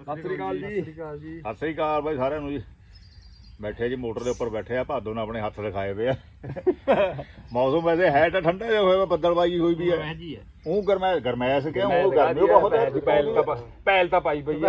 ਸਤਿ ਸ੍ਰੀ ਅਕਾਲ ਜੀ। ਸਤਿ ਸ੍ਰੀ ਅਕਾਲ ਬਾਈ ਸਾਰਿਆਂ ਨੂੰ ਜੀ। ਬੈਠੇ ਜੀ ਮੋਟਰ ਦੇ ਉੱਪਰ ਬੈਠੇ ਆ, ਭਾਦੋ ਨੇ ਆਪਣੇ ਹੱਥ ਦਿਖਾਏ ਵੇ ਆ। ਮੌਸਮ ਵੈਸੇ ਹੈ ਤਾਂ ਠੰਡਾ ਜਿਹਾ ਹੋਇਆ, ਬੱਦਲਬਾਜੀ ਹੋਈ ਵੀ ਹੈ। ਉਹ ਗਰਮੈਸ਼ ਕਿਉਂ, ਉਹ ਗਰਮੀ ਬਹੁਤ ਹੈ। ਪੈਲ ਤਾਂ ਪਾਈ ਪਈ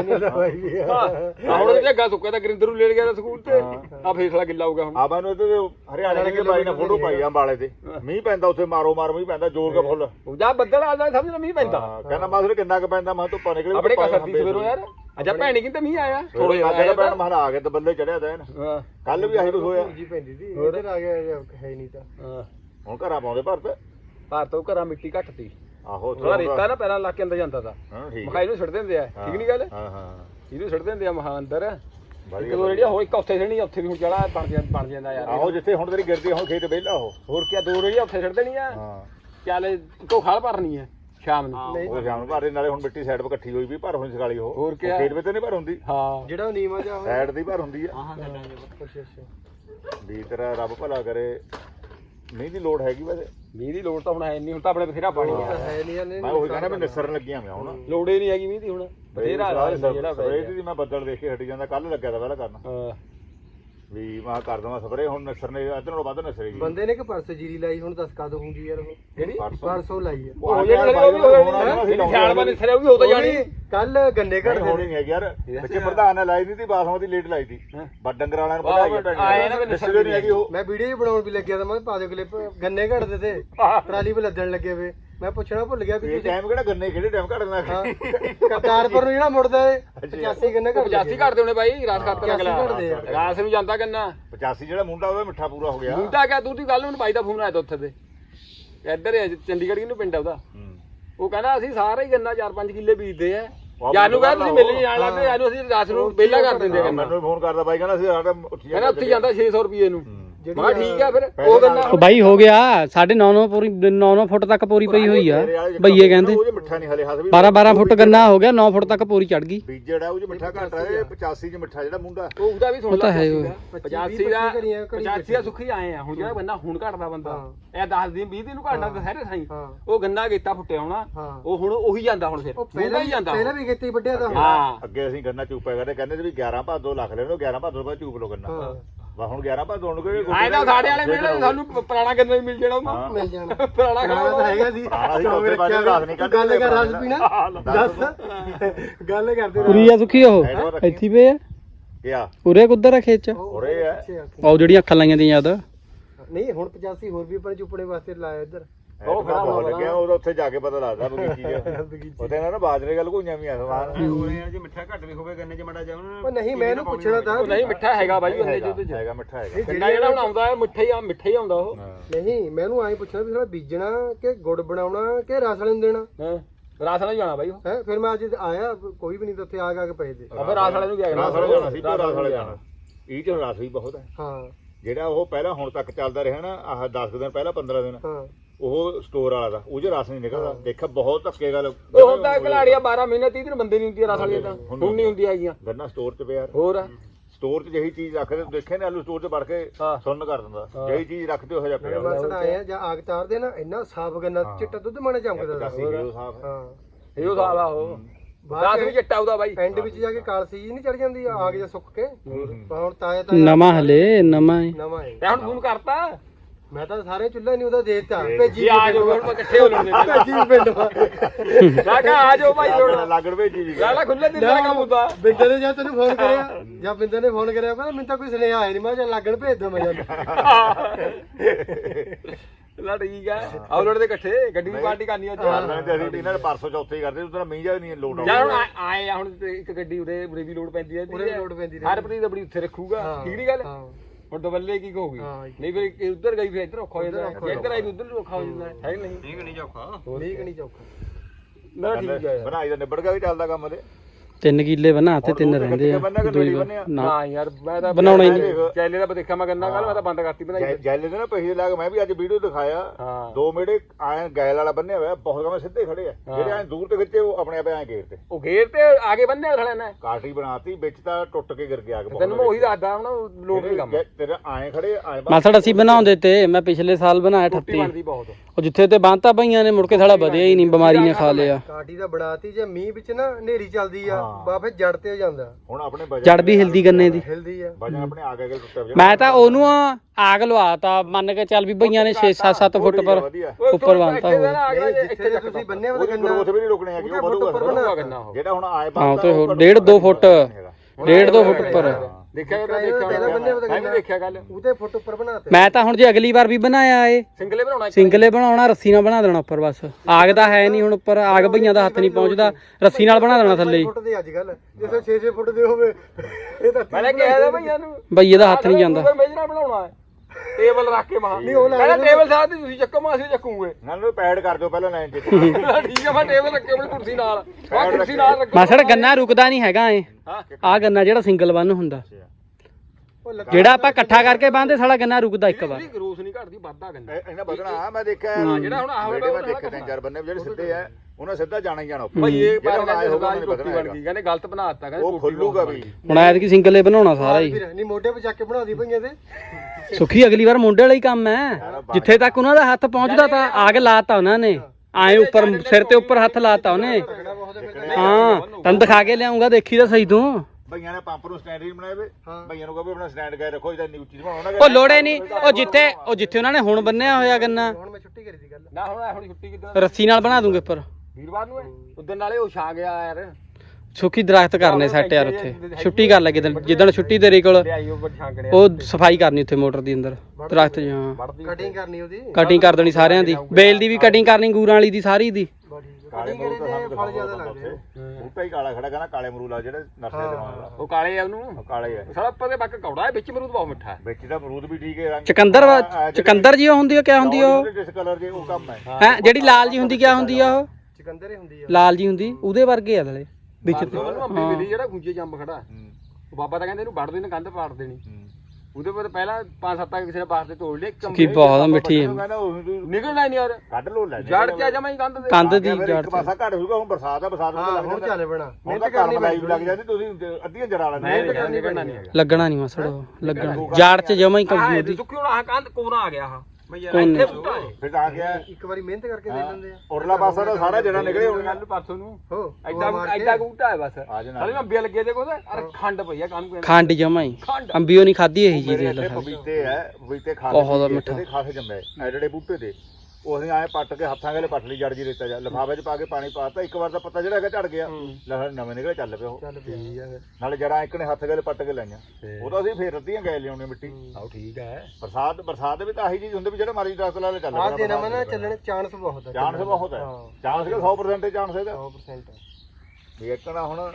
ਹੁਣ ਜੱਗਾ ਸੁੱਕਿਆ ਤਾਂ ਗਰਿੰਦਰ ਨੂੰ ਲੈ ਗਿਆ ਸਕੂਲ ਤੇ ਆ ਫੇਸਲਾ ਗਿੱਲਾ ਹੋ ਗਿਆ ਹੁਣ। ਆ ਮੈਨੂੰ ਇੱਥੇ ਹਰਿਆਣੇ ਦੇ ਬਾਈ ਨੇ ਫੋਟੋ ਪਾਈ ਆ ਅੰਬਾਲੇ ਤੇ, ਮੀਂਹ ਪੈਂਦਾ ਉੱਥੇ ਮਾਰੋ ਮਾਰ ਮੀਂਹ ਪੈਂਦਾ ਜੋਰ ਕੇ ਫੁੱਲ ਜਾ ਬੱਦਲ ਆਦਾ ਸਮਝ ਮੀਂਹ ਪੈਂਦਾ। ਕਹਿੰਦਾ ਮਾਸਰ ਕਿੰਨਾ ਕੁ ਪੈਂਦਾ, ਮੈਂ ਧੁੱਪਾਂ ਨਿਕਲੀ ਆਪਣੇ ਕਾ ਸਰਦੀ ਸਵੇਰੋਂ ਯਾਰ। ਅੱਛਾ ਭੈਣੀ ਕਿੰਤੇ ਮੀਂਹ ਆਇਆ ਥੋੜੇ ਜਿਹਾ ਪੈਣ ਮਹਲਾ ਆ ਗਿਆ ਤੇ ਬੱਲੇ ਚੜਿਆ ਤਾਂ ਕੱਲ ਵੀ ਆਹੀ ਕੁਝ ਹੋਇਆ ਜੀ ਪੈਂਦੀ ਸੀ ਇੱਧਰ ਆ ਗਿਆ ਹੈ ਨਹੀਂ ਤਾਂ ਹੁਣ ਘਰਾਂ ਪਾਉਂਦੇ ਭਾਰਤ ਤੋਂ ਘਰਾਂ ਮਿੱਟੀ ਘੱਟ ਤੀ। ਆਹੋ ਥੋੜਾ ਰੇਤਾ ਨਾ ਪੈਰਾਂ ਲੱਗ ਕੇ ਅੰਦਰ ਜਾਂਦਾ ਤਾ, ਹਾਂ ਠੀਕ ਮਖਾਈ ਨੂੰ ਛੱਡ ਦਿੰਦੇ ਆ। ਠੀਕ ਨਹੀਂ ਗੱਲ? ਹਾਂ ਹਾਂ ਇਹਨੂੰ ਛੱਡ ਦਿੰਦੇ ਆ ਮਹਾ ਅੰਦਰ। ਇੱਕ ਦੋ ਰੇੜੀਆਂ ਹੋ ਇੱਕ ਉੱਥੇ ਛੱਡਣੀ, ਉੱਥੇ ਵੀ ਹੁਣ ਚੜਾ ਬਣ ਜਾਂਦਾ ਯਾਰ। ਆਹੋ ਜਿੱਥੇ ਹੁਣ ਤੇਰੀ ਗਿਰਦੀ ਹੁਣ ਖੇਤ ਵਿਹਲਾ ਉਹ ਹੋਰ ਕੀ ਦੋ ਰੇੜੀਆਂ ਉੱਥੇ ਛੱਡ ਦੇਣੀਆਂ। ਹਾਂ ਚੱਲ ਇੱਕੋ ਖਾਲ ਭਰਨੀ ਹੈ ਸ਼ਾਮ ਨੂੰ। ਉਹ ਸ਼ਾਮ ਨੂੰ ਭਰਦੇ ਨਾਲੇ ਹੁਣ ਮਿੱਟੀ ਸਾਈਡ 'ਤੇ ਇਕੱਠੀ ਹੋਈ ਵੀ ਭਰ ਹੋਣੀ ਸਕਾਲੀ ਉਹ। ਹੋਰ ਕੀ ਖੇਤ ਵਿੱਚ ਨਹੀਂ ਭਰ ਹੁੰਦੀ, ਹਾਂ ਜਿਹੜਾ ਨੀਵਾਂ ਜਾ ਹੋਇਆ ਸਾਈਡ ਦੀ ਭਰ ਹੁੰਦੀ ਆ। ਅੱਛਾ ਅੱਛਾ ਵੀ ਤੇਰਾ ਰੱਬ ਭਲਾ ਕਰੇ। ਮੀਂਹ ਦੀ ਲੋੜ ਹੈਗੀ ਵੈਸੇ, ਮੀਂਹ ਦੀ ਲੋੜ ਤਾਂ ਹੁਣ ਹੈ ਨਹੀਂ, ਹੁਣ ਤਾਂ ਆਪਣੇ ਬਥੇਰਾ ਪਾਣੀ ਹੈ। ਹੈ ਨਹੀਂ ਮੈਂ ਉਹੀ ਕਹਿੰਦਾ ਵੀ ਨਿਸਰਨ ਲੱਗੀਆਂ ਮੈਂ ਹੁਣ। ਲੋੜ ਹੀ ਨਹੀਂ ਹੈਗੀ ਮੀਂਹ ਦੀ ਹੁਣ, ਬਥੇਰਾ ਜਿਹੜਾ ਸਪਰੇਅ ਦੀ ਮੈਂ ਬੱਦਲ ਦੇਖ ਕੇ ਹਟੀ ਜਾਂਦਾ, ਕੱਲ ਲੱਗਿਆ ਤਾਂ ਪਹਿਲਾਂ ਕਰਨ ਹਾਂ ਵੀ ਮੈਂ ਕਰ ਦਵਾਂ ਸਪਰੇਅ। ਹੁਣ ਨਿਸਰਨੇ ਅੱਧ ਨਾਲੋਂ ਵੱਧ ਨਿਸਰੇਗੀ ਬੰਦੇ ਨੇ ਕਿ ਪਰਸ ਜੀਰੀ ਲਾਈ, ਹੁਣ ਦੱਸ ਕਦ ਹੋਊਗੀ ਯਾਰ ਉਹ। ਜਿਹੜੀ ਪਰਸੋਂ ਲਾਈ ਆ ਉਹ ਜਿਹੜੀ ਸਿਆਲ ਬਾਰੇ ਸਿਰੇ ਉਹ ਵੀ ਹੋ ਤਾਂ ਜਾਣੀ। ਕੱਲ ਗੰਨੇ ਘੜ ਹੋਣੀ ਨਹੀਂ ਹੈਗੀ ਯਾਰ, ਪਿੱਛੇ ਪ੍ਰਧਾਨ ਨੇ ਲਾਈ ਨਹੀਂ ਸੀ ਬਾਸਮਤੀ ਲੇਟ ਲਾਈ ਸੀ, ਬਸ ਡੰਗਰ ਵਾਲਿਆਂ ਨੂੰ ਪਤਾ ਆਏ ਨਾ ਵੀ ਨਿਸਰਦੇ ਨਹੀਂ ਹੈਗੀ ਉਹ। ਮੈਂ ਵੀਡੀਓ ਬਣਾਉਣ ਵੀ ਲੱਗਿਆ ਤਾਂ ਮੈਂ ਪਾ ਦਿਓ ਕਲਿੱਪ, ਗੰਨੇ ਘੜਦੇ ਤੇ ਟਰਾਲੀ 'ਤੇ ਲੱਦਣ ਲੱਗੇ ਵੇ। ਮੈਂ ਪੁੱਛਣਾ ਭੁੱਲ ਗਿਆ ਵੀ ਇਹ ਟਾਈਮ ਕਿਹੜਾ ਗੰਨੇ ਕਿਹੜੇ ਟਾਈਮ ਘੜਨਾ ਕਰਤਾਰਪੁਰ ਨੂੰ ਜਿਹੜਾ ਮੁੜਦਾ ਏ 85 ਗੰਨੇ ਘੜ 85 ਘੱਟਦੇ ਹੋਣੇ ਬਾਈ, ਰਾਸ ਖਾਤਰ ਅਗਲਾ ਰਾਸ ਨੂੰ ਜਾਂਦਾ ਗੰਨਾ 85 ਜਿਹੜਾ ਮੁੰਡਾ ਉਹਦਾ ਮਿੱਠਾ ਪੂਰਾ ਹੋ ਗਿਆ। ਮੁੰਡਾ ਕਿਆ ਤੂੰ ਦੀ ਗੱਲ ਮੈਨੂੰ ਬਾਈ ਦਾ ਫੋਨ ਆਇਆ ਤਾਂ ਉੱਥੇ ਤੇ ਇੱਧਰ ਹੈ ਚੰਡੀਗੜ੍ਹ ਕਿਹਨੂੰ ਪਿੰਡ ਆ ਉਹਦਾ। ਉਹ ਕਹਿੰਦਾ ਅਸੀਂ ਸਾਰੇ ਹੀ ਗੰਨਾ 4-5 ਕਿੱਲੇ ਬੀਜਦੇ ਆ। ਯਾਨੂੰ ਕਹਿੰਦਾ ਤੁਸੀਂ ਮੇਲੇ ਜਾਣ ਲੱਗਦੇ, ਯਾਨੂੰ ਅਸੀਂ ਰਾਸ ਨੂੰ ਵਿਹਲਾ ਕਰ ਦਿੰਦੇ ਆ। ਮੈਨੂੰ ਫੋਨ ਕਰਦਾ ਬਾਈ ਕਹਿੰਦਾ ਅਸੀਂ ਸਾਡਾ ਕਹਿੰਦਾ ਉੱਥੇ ਜਾਂਦਾ 600 ਰੁਪਏ ਨੂੰ। ਮੈਂ ਠੀਕ ਆ ਫਿਰ ਉਹ ਗੰਨਾ ਬਾਈ ਹੋ ਗਿਆ 9.5 ਪੂਰੀ 9 ਫੁੱਟ ਤੱਕ ਪੂਰੀ ਪਈ ਹੋਈ ਆ ਬਈਏ ਕਹਿੰਦੇ। ਉਹ ਮਿੱਠਾ ਨਹੀਂ ਹਲੇ ਹੱਥ ਵੀ 12 ਫੁੱਟ ਗੰਨਾ ਹੋ ਗਿਆ, 9 ਫੁੱਟ ਤੱਕ ਪੂਰੀ ਚੜ ਗਈ। ਬੀਜੜਾ ਉਹ ਚ ਮਿੱਠਾ ਘੱਟ ਹੈ, 85 ਚ ਮਿੱਠਾ ਜਿਹੜਾ ਮੁੰਡਾ ਉਹਦਾ ਵੀ ਸੁਣ ਤਾਂ ਲਾ। ਹੈ 85 ਦਾ ਸੁੱਖੀ ਆਏ ਆ। ਹੁਣ ਜਿਹੜਾ ਗੰਨਾ ਹੁਣ ਘਟਦਾ ਬੰਦਾ ਇਹ 10 ਦਿਨ 20 ਦਿਨ ਨੂੰ ਘਟਦਾ ਸਾਰੇ ਸਾਈ। ਉਹ ਗੰਨਾ ਗੇਤਾ ਫੁੱਟਿਆ ਹੋਣਾ, ਉਹ ਹੁਣ ਉਹੀ ਜਾਂਦਾ ਹੁਣ ਫਿਰ ਪਹਿਲਾਂ ਹੀ ਜਾਂਦਾ, ਪਹਿਲਾਂ ਵੀ ਖੇਤੀ ਵੱਢਿਆ ਤਾਂ ਹਾਂ। ਅੱਗੇ ਅਸੀਂ ਗੰਨਾ ਚੂਪਿਆ ਕਰਦੇ, ਕਹਿੰਦੇ ਵੀ 11 ਭਾਦੋ ਲੱਖ ਲੈਣੋ, 11 ਭਾਦੋ ਬਾਅਦ ਚੂਪ ਲੋ ਗੰਨਾ। ਵਾ ਹੁਣ 11 ਭਾਦੋ ਹੁਣ ਕੋਈ ਆਏ ਤਾਂ ਸਾਡੇ ਵਾਲੇ ਮਿਲਣੇ, ਸਾਨੂੰ ਪੁਰਾਣਾ ਗੰਨਾ ਵੀ ਮਿਲ ਜਾਣਾ ਉਹਨਾਂ ਮਿਲ ਜਾਣਾ। ਪੁਰਾਣਾ ਖਾਣਾ ਤਾਂ ਹੈਗਾ ਸੀ। ਗੱਲ ਕਰ ਰਸ ਪੀਣਾ ਦੱਸ ਗੱਲ ਕਰਦੇ ਪੂਰੀ ਆ ਸੁੱਖੀ ਉਹ ਇੱਥੇ ਪਏ ਆ ਕਿਆ ਉਰੇ ਕੁੱਧਰ ਆ ਖੇਤ ਚ ਉਰੇ ਆ ਉਹ ਜਿਹੜੀਆਂ ਅੱਖਾਂ ਲਾਈਆਂ ਦੀਆਂ ਯਾਦ। ਨਹੀਂ ਹੁਣ 85 ਹੋਰ ਵੀ ਆਪਣੇ ਚੁੱਪਣੇ ਵਾਸਤੇ ਲਾਇਆ ਇੱਧਰ। ਉਹ ਬਹੁਤ ਲੱਗਿਆ, ਉਹਦਾ ਉੱਥੇ ਜਾ ਕੇ ਪਤਾ ਲੱਗਦਾ ਬਗੀਚੀ ਚ। ਉੱਥੇ ਨਾ ਬਾਜਰੇ ਗੱਲ ਕੋਈਆਂ ਵੀ ਆ ਸਮਾਨ। ਜੇ ਮਿੱਠਾ ਘੱਟ ਵੀ ਹੋਵੇ ਗੰਨੇ ਚ ਮੜਾ ਜਾਉਣ। ਉਹ ਨਹੀਂ ਮੈਂ ਇਹਨੂੰ ਪੁੱਛਣਾ ਤਾਂ ਨਹੀਂ ਮਿੱਠਾ ਹੈਗਾ ਬਾਈ ਗੰਨੇ ਚ, ਉਹਦੇ ਚ ਹੈਗਾ ਮਿੱਠਾ ਹੈਗਾ। ਗੰਨਾ ਜਿਹੜਾ ਹੁਣ ਆਉਂਦਾ ਹੈ ਮਿੱਠਾ ਹੀ ਆਉਂਦਾ ਉਹ। ਨਹੀਂ ਮੈਂ ਇਹਨੂੰ ਐਂ ਪੁੱਛਣਾ ਵੀ ਸਾਲਾ ਬੀਜਣਾ ਕਿ ਗੁੜ ਬਣਾਉਣਾ ਕਿ ਰਸ ਵਾਲੇ ਨੂੰ ਦੇਣਾ। ਹਾਂ ਰਾਸ ਵਾਲੇ ਜਾਣਾ ਬਾਈ ਉਹ। ਹੈ ਫਿਰ ਮੈਂ ਅੱਜ ਆਇਆ ਕੋਈ ਵੀ ਨਹੀਂ ਤਾਂ ਉੱਥੇ ਆ ਕੇ ਪਏ ਤੇ ਫਿਰ ਰਾਸ ਵਾਲੇ ਨੂੰ ਗਿਆ ਰਾਸ ਵਾਲੇ ਜਾਣਾ ਸੀ, ਰਾਸ ਵਾਲੇ ਜਾਣਾ। ਇਹ ਚ ਰਸ ਵੀ ਬਹੁਤ ਹੈ। ਹਾਂ ਜਿਹੜਾ ਉਹ ਪਹਿਲਾਂ ਹੁਣ ਤੱਕ ਚੱਲਦਾ ਰਿਹਾ ਨਾ, ਆਹ 10 ਦਿਨ ਪਹਿਲਾਂ 15 ਦਿਨ, ਹਾਂ ਉਹ ਸਟੋਰ ਵਾਲਾ ਦਾ, ਉਹ ਚ ਰਸ ਨਹੀਂ ਨਿਕਲਦਾ। ਦੇਖਿਆ ਬਹੁਤ ਧੱਕੇ ਗੱਲ। ਉਹ ਹੁੰਦਾ ਕਲਾੜੀਆਂ 12 ਮਹੀਨੇ 30 ਦਿਨ ਬੰਦੇ ਨਹੀਂ ਹੁੰਦੀ ਰਸ ਵਾਲੀਆਂ ਤਾਂ ਹੁਣ ਨਹੀਂ ਹੁੰਦੀਆਂ ਹੈਗੀਆਂ। ਗੰਨਾ ਸਟੋਰ ਚ ਪਿਆ, ਹੋਰ ਸਟੋਰ ਚ ਜਿਹੀ ਚੀਜ਼ ਰੱਖਦੇ ਦੇਖੇ ਨੇ, ਆਲੂ ਸਟੋਰ ਚ ਵੜ ਕੇ ਸੁੰਨ ਕਰ ਦਿੰਦਾ। ਜਿਹੀ ਚੀਜ਼ ਰੱਖਦੇ ਉਹ ਜਿਹਾ ਪਿਆ। ਬਸ ਆਏ ਆ ਜਾਂ ਆਗ ਤਾਰਦੇ ਨਾ ਇੰਨਾ ਸਾਫ ਗੰਨਾ ਚਿੱਟਾ ਦੁੱਧ ਮਾਣੇ ਚਮਕਦਾ ਦਾ। 85 ਕਿਲੋ ਸਾਫ ਹੈ। ਹਾਂ ਇਹ ਉਹ ਸਾਲ ਆ ਉਹ ਰਾਸ ਵੀ ਜੱਟਾ ਉਹਦਾ ਬਾਈ। ਐਂਡ ਵਿੱਚ ਜਾ ਕੇ ਕਾਲਸੀ ਜੀ ਨਹੀਂ ਚੜ ਜਾਂਦੀ ਆਗ ਜਾਂ ਸੁੱਕ ਕੇ। ਹੁਣ ਤਾਇਆ ਤਾਂ ਨਵਾਂ ਹਲੇ ਨਵਾਂ ਹੈ। ਨਵਾਂ ਹੈ। ਤੇ ਹੁਣ ਫੋਨ ਕਰਤਾ ਮੈਂ ਤਾਂ ਸਾਰੇ ਚੁੱਲ੍ਹਾ ਨਹੀਂ ਉਹਦਾ ਦੇਤਾ ਭੇਜੀ ਆ ਜਾਓ ਹੁਣ ਇਕੱਠੇ ਹੋ ਲੈਣੇ ਭੇਜੀ ਪਿੰਡ ਕਾਕਾ ਆ ਜਾਓ ਭਾਈ ਲੋੜ ਲਾਗੜ ਭੇਜੀ ਜੀ ਲਾਲਾ ਖੁੱਲੇ ਦਿਲ ਦਾ ਕੰਮ ਹੁੰਦਾ। ਬਿੰਦਰ ਨੇ ਜਦ ਤੈਨੂੰ ਫੋਨ ਕਰਿਆ ਜਾਂ ਬਿੰਦਰ ਨੇ ਫੋਨ ਕਰਿਆ ਪਰ ਮੈਨੂੰ ਤਾਂ ਕੋਈ ਸੁਨੇਹਾ ਆਇਆ ਨਹੀਂ। ਮੈਂ ਜਾਂ ਲੱਗਣ ਭੇਜ ਦਾਂ ਮੈਂ ਲਾ ਠੀਕ ਆ ਆਉਲੜ ਦੇ ਇਕੱਠੇ ਗੱਡੀ ਦੀ ਪਾਰਟੀ ਕਰਨੀ ਅੱਜ। ਤੇ ਅਸੀਂ ਇਹਨਾਂ ਨੇ ਪਰਸੋਂ ਚੌਥੇ ਹੀ ਕਰਦੇ, ਉਧਰ ਮੀਂਹ ਜਾ ਨਹੀਂ ਲੋਡ ਯਾਰ ਹੁਣ ਆਏ ਆ ਹੁਣ ਇੱਕ ਗੱਡੀ ਉਰੇ ਵੀ ਲੋਡ ਪੈਂਦੀ ਹੈ। ਉਰੇ ਲੋਡ ਪੈਂਦੀ ਹਰ ਪ੍ਰੀਤ ਦਬੜੀ ਉੱਥੇ ਰੱਖੂਗਾ। ਠੀਕ ਨਹੀਂ ਗੱਲ? ਹੁਣ ਦਬੱਲੇ ਕੀ ਕਹੂਗੀ? ਨਹੀਂ ਫਿਰ ਉੱਧਰ ਗਈ ਫਿਰ ਇੱਧਰ ਔਖਾ ਹੋ ਜਾਂਦਾ, ਇੱਧਰ ਆਈ ਉੱਧਰ ਨੂੰ ਔਖਾ ਹੋ ਜਾਂਦਾ ਹੈ ਨਹੀਂ? ਠੀਕ ਨਹੀਂ ਔਖਾ, ਠੀਕ ਨਹੀਂ ਚੌਖਾ ਨਾ ਠੀਕ ਹੈ। ਬਣਾਈ ਦਾ ਨਿਬੜ ਗਿਆ ਵੀ ਚੱਲਦਾ ਕੰਮ ਉਹਦੇ। 3 ਕਿੱਲੇ ਬਣਾ ਤੇ 3 ਰਹਿੰਦੇ ਆ। ਨਾ ਯਾਰ ਮੈਂ ਤਾਂ ਬਣਾਉਣਾ ਹੀ ਨਹੀਂ। ਚੈਲੇ ਦਾ ਦੇਖਿਆ ਮੈਂ ਗੰਨਾ ਕੱਲ, ਮੈਂ ਤਾਂ ਬੰਦ ਕਰਤੀ ਬਣਾਈ। ਜੈਲੇ ਦੇ ਨਾ ਪੈਸੇ ਲਾ ਕੇ ਮੈਂ ਵੀ ਅੱਜ ਵੀਡੀਓ ਦਿਖਾਇਆ। 2 ਮੇੜੇ ਆਏ ਗੈਲ ਵਾਲਾ ਬੰਨਿਆ ਹੋਇਆ, ਬਹੁਤ ਕਮੇ ਸਿੱਧੇ ਖੜੇ ਆ। ਜਿਹੜੇ ਐ ਦੂਰ ਤੇ ਖਿੱਚੇ ਉਹ ਆਪਣੇ ਆਪੇ ਐ ਘੇਰ ਤੇ, ਉਹ ਘੇਰ ਤੇ ਆਗੇ ਬੰਨਿਆ ਖੜਾ ਨੇ ਕਾਟਰੀ ਬਣਾਤੀ ਵਿੱਚ ਤਾਂ ਟੁੱਟ ਕੇ ਗਿਰ ਗਿਆ। ਤੈਨੂੰ ਮੈਂ ਉਹੀ ਦੱਸਦਾ ਹੁਣ ਲੋਡ ਨਹੀਂ ਕੰਮ ਤੇਰੇ ਆਏ ਖੜੇ ਆਏ ਮਾਸੜ ਅਸੀਂ ਬਣਾਉਂਦੇ ਤੇ ਮੈਂ ਪਿਛਲੇ ਸਾਲ ਬਣਾਇਆ 38 ਬਣਦੀ ਬਹੁਤ। ਉਹ ਜਿੱਥੇ ਤੇ ਬੰਨਤਾ ਭਈਆਂ ਨੇ ਮੁੜ ਕੇ ਸਾਲਾ ਵਧਿਆ ਹੀ ਨਹੀਂ, ਬਿਮਾਰੀ ਨੇ ਖਾ ਲਿਆ। ਕਾਟੀ ਦਾ ਬੜਾਤੀ ਜੇ ਮੀਂਹ ਵਿੱਚ ਨਾ ਹਨੇਰੀ ਚੱਲਦੀ ਆ ਬਾਬੇ ਜੜ ਤੇ ਹੋ ਜਾਂਦਾ ਹੁਣ ਆਪਣੇ ਵਜਨ ਜੜ ਵੀ ਹਿਲਦੀ ਗੰਨੇ ਦੀ ਹਿਲਦੀ ਆ ਵਜਨ ਆਪਣੇ ਆ ਕੇ ਟੁੱਟਿਆ ਵਜਨ ਮੈਂ ਤਾਂ ਉਹਨੂੰ ਆਗ ਲਵਾਤਾ ਮੰਨ ਕੇ ਚੱਲ ਵੀ ਭਈਆਂ ਨੇ 6-7 ਫੁੱਟ ਪਰ ਉੱਪਰ ਬੰਨਤਾ ਹੋਵੇ ਜਿੱਥੇ ਤੁਸੀਂ ਬੰਨੇ ਉਹਦਾ ਉਹਦੀ ਗਰੋਥ ਵੀ ਨਹੀਂ ਰੁਕਣੀ ਹੈਗੀ ਉਹ ਵਧੂਗਾ ਜਿਹੜਾ ਹੁਣ ਆਏ ਹਾਂ ਉਹ ਤੇ 1.5-2 ਫੁੱਟ 1.5-2 ਫੁੱਟ ਉੱਪਰ ਦੇਖਿਆ ਮੈਂ ਵੀ ਦੇਖਿਆ ਗੱਲ ਉਹਦੇ ਫੁੱਟ ਉੱਪਰ ਬਣਾਤੇ ਮੈਂ ਤਾਂ ਹੁਣ ਜੇ ਅਗਲੀ ਵਾਰ ਵੀ ਬਣਾਇਆ ਏ ਸਿੰਗਲੇ ਬਣਾਉਣਾ ਸਿੰਗਲੇ ਬਣਾਉਣਾ ਰੱਸੀ ਨਾਲ ਬਣਾ ਦੇਣਾ ਉੱਪਰ ਬਸ ਆਗ ਦਾ ਹੈ ਨਹੀਂ ਹੁਣ ਉੱਪਰ ਆਗ ਭਈਆਂ ਦਾ ਹੱਥ ਨਹੀਂ ਪਹੁੰਚਦਾ ਰੱਸੀ ਨਾਲ ਬਣਾ ਦੇਣਾ ਥੱਲੇ ਹੀ ਫੁੱਟ ਦੇ ਅੱਜ ਕੱਲ ਜਿਵੇਂ 6-6 ਫੁੱਟ ਦੇ ਹੋਵੇ ਇਹ ਤਾਂ ਮੈਂ ਕਿਹਾ ਦਾ ਭਈਆ ਨੂੰ ਭਈਏ ਦਾ ਹੱਥ ਨਹੀਂ ਜਾਂਦਾ ਮੇਜਣਾ ਬਣਾਉਣਾ ਹੈ ਟੇਬਲ ਰੱਖ ਕੇ ਮਹਾ ਕਹਿੰਦਾ ਟੇਬਲ ਸਾਥ ਤੁਸੀਂ ਚੱਕੋ ਮੈਂ ਅਸੀਂ ਚੱਕੂਗੇ ਨਾਲ ਨੂੰ ਪੈਡ ਕਰ ਦਿਓ ਪਹਿਲਾਂ ਲਾਈਨ 'ਚ ਠੀਕ ਹੈ ਮੈਂ ਟੇਬਲ ਰੱਖੇ ਆਪਣੀ ਕੁਰਸੀ ਨਾਲ ਮੈਂ ਕੁਰਸੀ ਨਾਲ ਰੱਖ ਮਾਸੜ ਗੰਨਾ ਰੁਕਦਾ ਨਹੀਂ ਹੈਗਾ ਏ ਆ ਗੰਨਾ ਜਿਹੜਾ ਸਿੰਗਲ ਬੰਨ ਹੁੰਦਾ ਜਿਹੜਾ ਆਪਾਂ ਇਕੱਠਾ ਕਰਕੇ ਬੰਨਦੇ ਸਾਲਾ ਗੰਨਾ ਰੁਕਦਾ ਇੱਕ ਵਾਰ ਗਰੋਸ ਨਹੀਂ ਘਟਦੀ ਵੱਧਦਾ ਗੰਨਾ ਇਹਨਾਂ ਵਧਣਾ ਮੈਂ ਦੇਖਿਆ ਜਿਹੜਾ ਹੁਣ ਆਹ ਮੈਂ ਦੇਖੇ ਤਿੰਨ ਚਾਰ ਬੰਨੇ ਜਿਹੜੇ ਸਿੱਧੇ ਆ ਉਹਨਾਂ ਸਿੱਧਾ ਜਾਣਾ ਹੀ ਜਾਣਾ ਭਾਈ ਇਹ ਜਿਹੜਾ ਪਰ ਆਏ ਹੋਗਾ ਨਹੀਂ ਵਧਣਾ ਬਣ ਗਈ ਕਹਿੰਦੇ ਗਲਤ ਬਣਾਤਾ ਕਹਿੰਦੇ ਉਹ ਖੁੱਲੂਗਾ ਵੀ ਹੁਣ ਐਤਕੀ ਸਿੰਗਲੇ ਬਣਾਉਣਾ ਸਾਰਾ ਹੀ ਨਹੀਂ ਮੋਢੇ 'ਤੇ ਚੱਕ ਕੇ ਬਣਾਦੀ ਪਈਆਂ ਤੇ ਸੁਖੀ ਅਗਲੀ ਵਾਰ ਮੁੰਡੇ ਵਾਲਾ ਹੀ ਕੰਮ ਹੈ ਜਿੱਥੇ ਤੱਕ ਉਹਨਾਂ ਦਾ ਹੱਥ ਪਹੁੰਚਦਾ ਤਾਂ ਆਗ ਲਾਤਾ ਉਹਨਾਂ ਨੇ ਆਏ ਉੱਪਰ ਸਿਰ ਤੇ ਉੱਪਰ ਹੱਥ ਲਾਤਾ ਉਹਨੇ ਹਾਂ ਤੈਨੂੰ ਦਿਖਾ ਕੇ ਲਿਆਉਂਗਾ ਦੇਖੀ ਤਾਂ ਸਹੀ ਤੂੰ ਭਈਆਂ ਨੇ ਪੰਪ ਨੂੰ ਸਟੈਂਡ ਹੀ ਬਣਾਏ ਵੇ ਭਈਆਂ ਨੂੰ ਕਹੋ ਵੀ ਆਪਣਾ ਸਟੈਂਡ ਗਏ ਰੱਖੋ ਇਹਦਾ ਉੱਚੀ ਬਣਾਉਣਾ ਉਹ ਲੋੜੇ ਨਹੀਂ ਉਹ ਜਿੱਥੇ ਉਹਨਾਂ ਨੇ ਹੁਣ ਬੰਨਿਆ ਹੋਇਆ ਗੰਨਾ ਹੁਣ ਮੈਂ ਛੁੱਟੀ ਕਰੀ ਸੀ ਗੱਲ ਨਾ ਹੁਣ ਛੁੱਟੀ ਕਿੱਦਾਂ ਰੱਸੀ ਨਾਲ ਬਣਾ ਦੂੰਗੇ ਉੱਪਰ ਵੀਰਵਾਰ ਨੂੰ ਉਦੋਂ ਨਾਲੇ ਉਹ ਛਾ ਗਿਆ ਯਾਰ ਸੁੱਕੀ ਦਰਖਤ ਕਰਨੇ ਸੈੱਟ ਯਾਰ ਉੱਥੇ ਛੁੱਟੀ ਕਰ ਲੈ ਜਿੱਦਣ ਛੁੱਟੀ ਤੇਰੇ ਕੋਲ ਲਿਆਈ ਉਹ ਛਾਂਗੜਿਆ ਉਹ ਸਫਾਈ ਕਰਨੀ ਉੱਥੇ ਮੋਟਰ ਦੀ ਅੰਦਰ ਦਰਖਤ ਜਾਂ ਕਟਿੰਗ ਕਰਨੀ ਉਹਦੀ ਕਟਿੰਗ ਕਰ ਦੇਣੀ ਸਾਰਿਆਂ ਦੀ ਬੇਲ ਦੀ ਵੀ ਕਟਿੰਗ ਕਰਨੀ ਗੂਰਾਂ ਵਾਲੀ ਦੀ ਸਾਰੀ ਦੀ ਕਾਲੇ ਮਰੂਦ ਤਾਂ ਸਾਨੂੰ ਫਲ ਜ਼ਿਆਦਾ ਲੱਗਦੇ ਬੂਟਾ ਹੀ ਕਾਲਾ ਖੜਾ ਕਹਿੰਦਾ ਕਾਲੇ ਮਰੂਦ ਆ ਜਿਹੜੇ ਨਰਸੇ ਦੇ ਨਾਲ ਉਹ ਕਾਲੇ ਆ ਉਹਨੂੰ ਕਾਲੇ ਆ ਸਾਲਾ ਉੱਪਰ ਦੇ ਬੱਕ ਕੌੜਾ ਹੈ ਵਿੱਚ ਮਰੂਦ ਬਹੁਤ ਮਿੱਠਾ ਹੈ ਵਿੱਚ ਦਾ ਮਰੂਦ ਵੀ ਠੀਕ ਹੈ ਰੰਗ ਚਕੰਦਰ ਜੀ ਹੁੰਦੀ ਆ ਕਿਆ ਹੁੰਦੀ ਆ ਉਹ ਜਿਸ ਕਲਰ ਦੇ ਉਹ ਕੰਮ ਹੈ ਹੈ ਜਿਹੜੀ ਲਾਲ ਜੀ ਹੁੰਦੀ ਕਿਆ ਹੁੰਦੀ ਆ ਉਹ ਚਕੰਦਰ ਹੀ ਹੁੰਦੀ ਆ ਲਾਲ ਜੀ ਹੁੰਦੀ ਉਹਦੇ ਵਰਗੇ ਆ ਦਲੇ ਵਿੱਚ ਉਹਨੂੰ ਅੰਬੀ ਮਿਲੀ ਜਿਹੜਾ ਗੁੰਜੇ ਜੰਮ ਖੜਾ ਉਹ ਬਾਬਾ ਤਾਂ ਕਹਿੰਦੇ ਇਹਨੂੰ ਵੱਢ ਦੇਣ ਕੰਧ ਪਾੜ ਦੇਣੀ ਉਹਦੇ ਪਰ ਪਹਿਲਾਂ 5-7 ਕਿਸੇ ਨੇ ਬਾਹਰ ਤੇ ਤੋੜ ਲਿਆ ਕੀ ਬਹੁਤ ਮਿੱਠੀ ਹੈ ਨਿਕਲਣਾ ਨਹੀਂ ਯਾਰ ਕੱਢ ਲੋ ਲੈ ਜੜ ਤੇ ਜਮਾ ਹੀ ਕੰਧ ਦੇ ਕੰਧ ਦੀ ਜੜ ਇੱਕ ਪਾਸਾ ਘੱਟ ਹੋਊਗਾ ਹੁਣ ਬਰਸਾਤ ਆ ਬਰਸਾਤ ਨੂੰ ਲੱਗ ਹੁਣ ਜਾਂਦਾ ਚੱਲ ਪੈਣਾ ਮਿਹਨਤ ਕਰਨੀ ਲੱਗ ਜਾਂਦੀ ਤੁਸੀਂ ਅੱਧੀਆਂ ਜੜਾਂ ਲੈਂਦੇ ਨਿਕਲਣਾ ਨਹੀਂ ਹੈਗਾ ਲੱਗਣਾ ਨਹੀਂ ਮਸੜ ਲੱਗਣਾ ਜੜ ਚ ਜਮਾ ਹੀ ਕਮਜ਼ੋਰ ਦੀ ਸੁੱਕੀ ਹੁਣ ਆਹ ਕੰਧ ਕੋਨਾ ਆ ਗਿਆ ਆਹ ਇੱਥੇ ਬੂਟਾ ਹੈ ਫਿਰ ਆ ਗਿਆ ਇੱਕ ਵਾਰੀ ਮਿਹਨਤ ਕਰਕੇ ਦੇ ਦਿੰਦੇ ਆ ਉਰਲਾ ਪਾਸਾ ਤਾਂ ਸਾਰਾ ਜੜਾਂ ਨਿਕਲੇ ਹੋਣੀਆਂ ਕੱਲ ਪਰਸੋਂ ਨੂੰ ਹੋ ਐਡਾ ਬੂਟਾ ਹੈ ਬਸ ਆ ਜਾਣਾ ਸਾਲੇ ਅੰਬੀਆਂ ਲੱਗੇ ਦੇ ਕੋਲ ਅਰੇ ਖੰਡ ਪਈ ਆ ਕਾਹਨੂੰ ਕਹਿੰਦੇ ਖੰਡ ਜਮਾ ਹੀ ਅੰਬੀਓ ਨਹੀਂ ਖਾਧੀ ਇਹੀ ਜੀ ਮੇਰੇ ਦੇ ਇੱਥੇ ਪਪੀਤੇ ਐ ਪਪੀਤੇ ਖਾ ਬਹੁਤ ਮਿੱਠਾ। ਕੇ ਖਾਸੇ ਜੰਮੇ ਐਡੇ ਬੂਟੇ ਦੇ ਉਹ ਅਸੀਂ ਆਏ ਪੱਟ ਕੇ ਹੱਥਾਂ ਗਲੇ ਪੱਟ ਲਈ ਜੜ ਜੀ ਰੇਤਾ ਜਾ ਲਿਫਾਫੇ 'ਚ ਪਾ ਕੇ ਪਾਣੀ ਪਾਤਾ ਇੱਕ ਵਾਰ ਦਾ ਪੱਤਾ ਜਿਹੜਾ ਹੈਗਾ ਝੜ ਗਿਆ ਲਹਰ ਨਵੇਂ ਨਿਕਲੇ ਚੱਲ ਪਿਆ ਉਹ ਚੱਲ ਪਿਆ ਨਾਲੇ ਜੜਾਂ ਇੱਕ ਨੇ ਹੱਥ ਗਲੇ ਪੱਟ ਕੇ ਲਾਈਆਂ ਉਹ ਤਾਂ ਅਸੀਂ ਫੇਰ ਰੱਤੀਆਂ ਗਏ ਲਿਆਉਣੀ ਮਿੱਟੀ ਆਹ ਠੀਕ ਹੈ ਬਰਸਾਤ ਦੇ ਵੀ ਤਾਂ ਆਹੀ ਚੀਜ਼ ਹੁੰਦੀ ਵੀ ਜਿਹੜਾ ਮਰਜ਼ੀ ਦਸ ਲਾ ਲੈ ਚੱਲ ਆਹ ਦਿਨਾਂ ਮੈਂ ਨਾ ਚੱਲਣ ਚਾਂਸ ਬਹੁਤ ਆ ਚਾਂਸ ਬਹੁਤ ਹੈ ਚਾਂਸ ਕਿ 100% ਚਾਂਸ ਹੈਗਾ 100% ਵੀ ਇੱਕਣਾ ਹੁਣ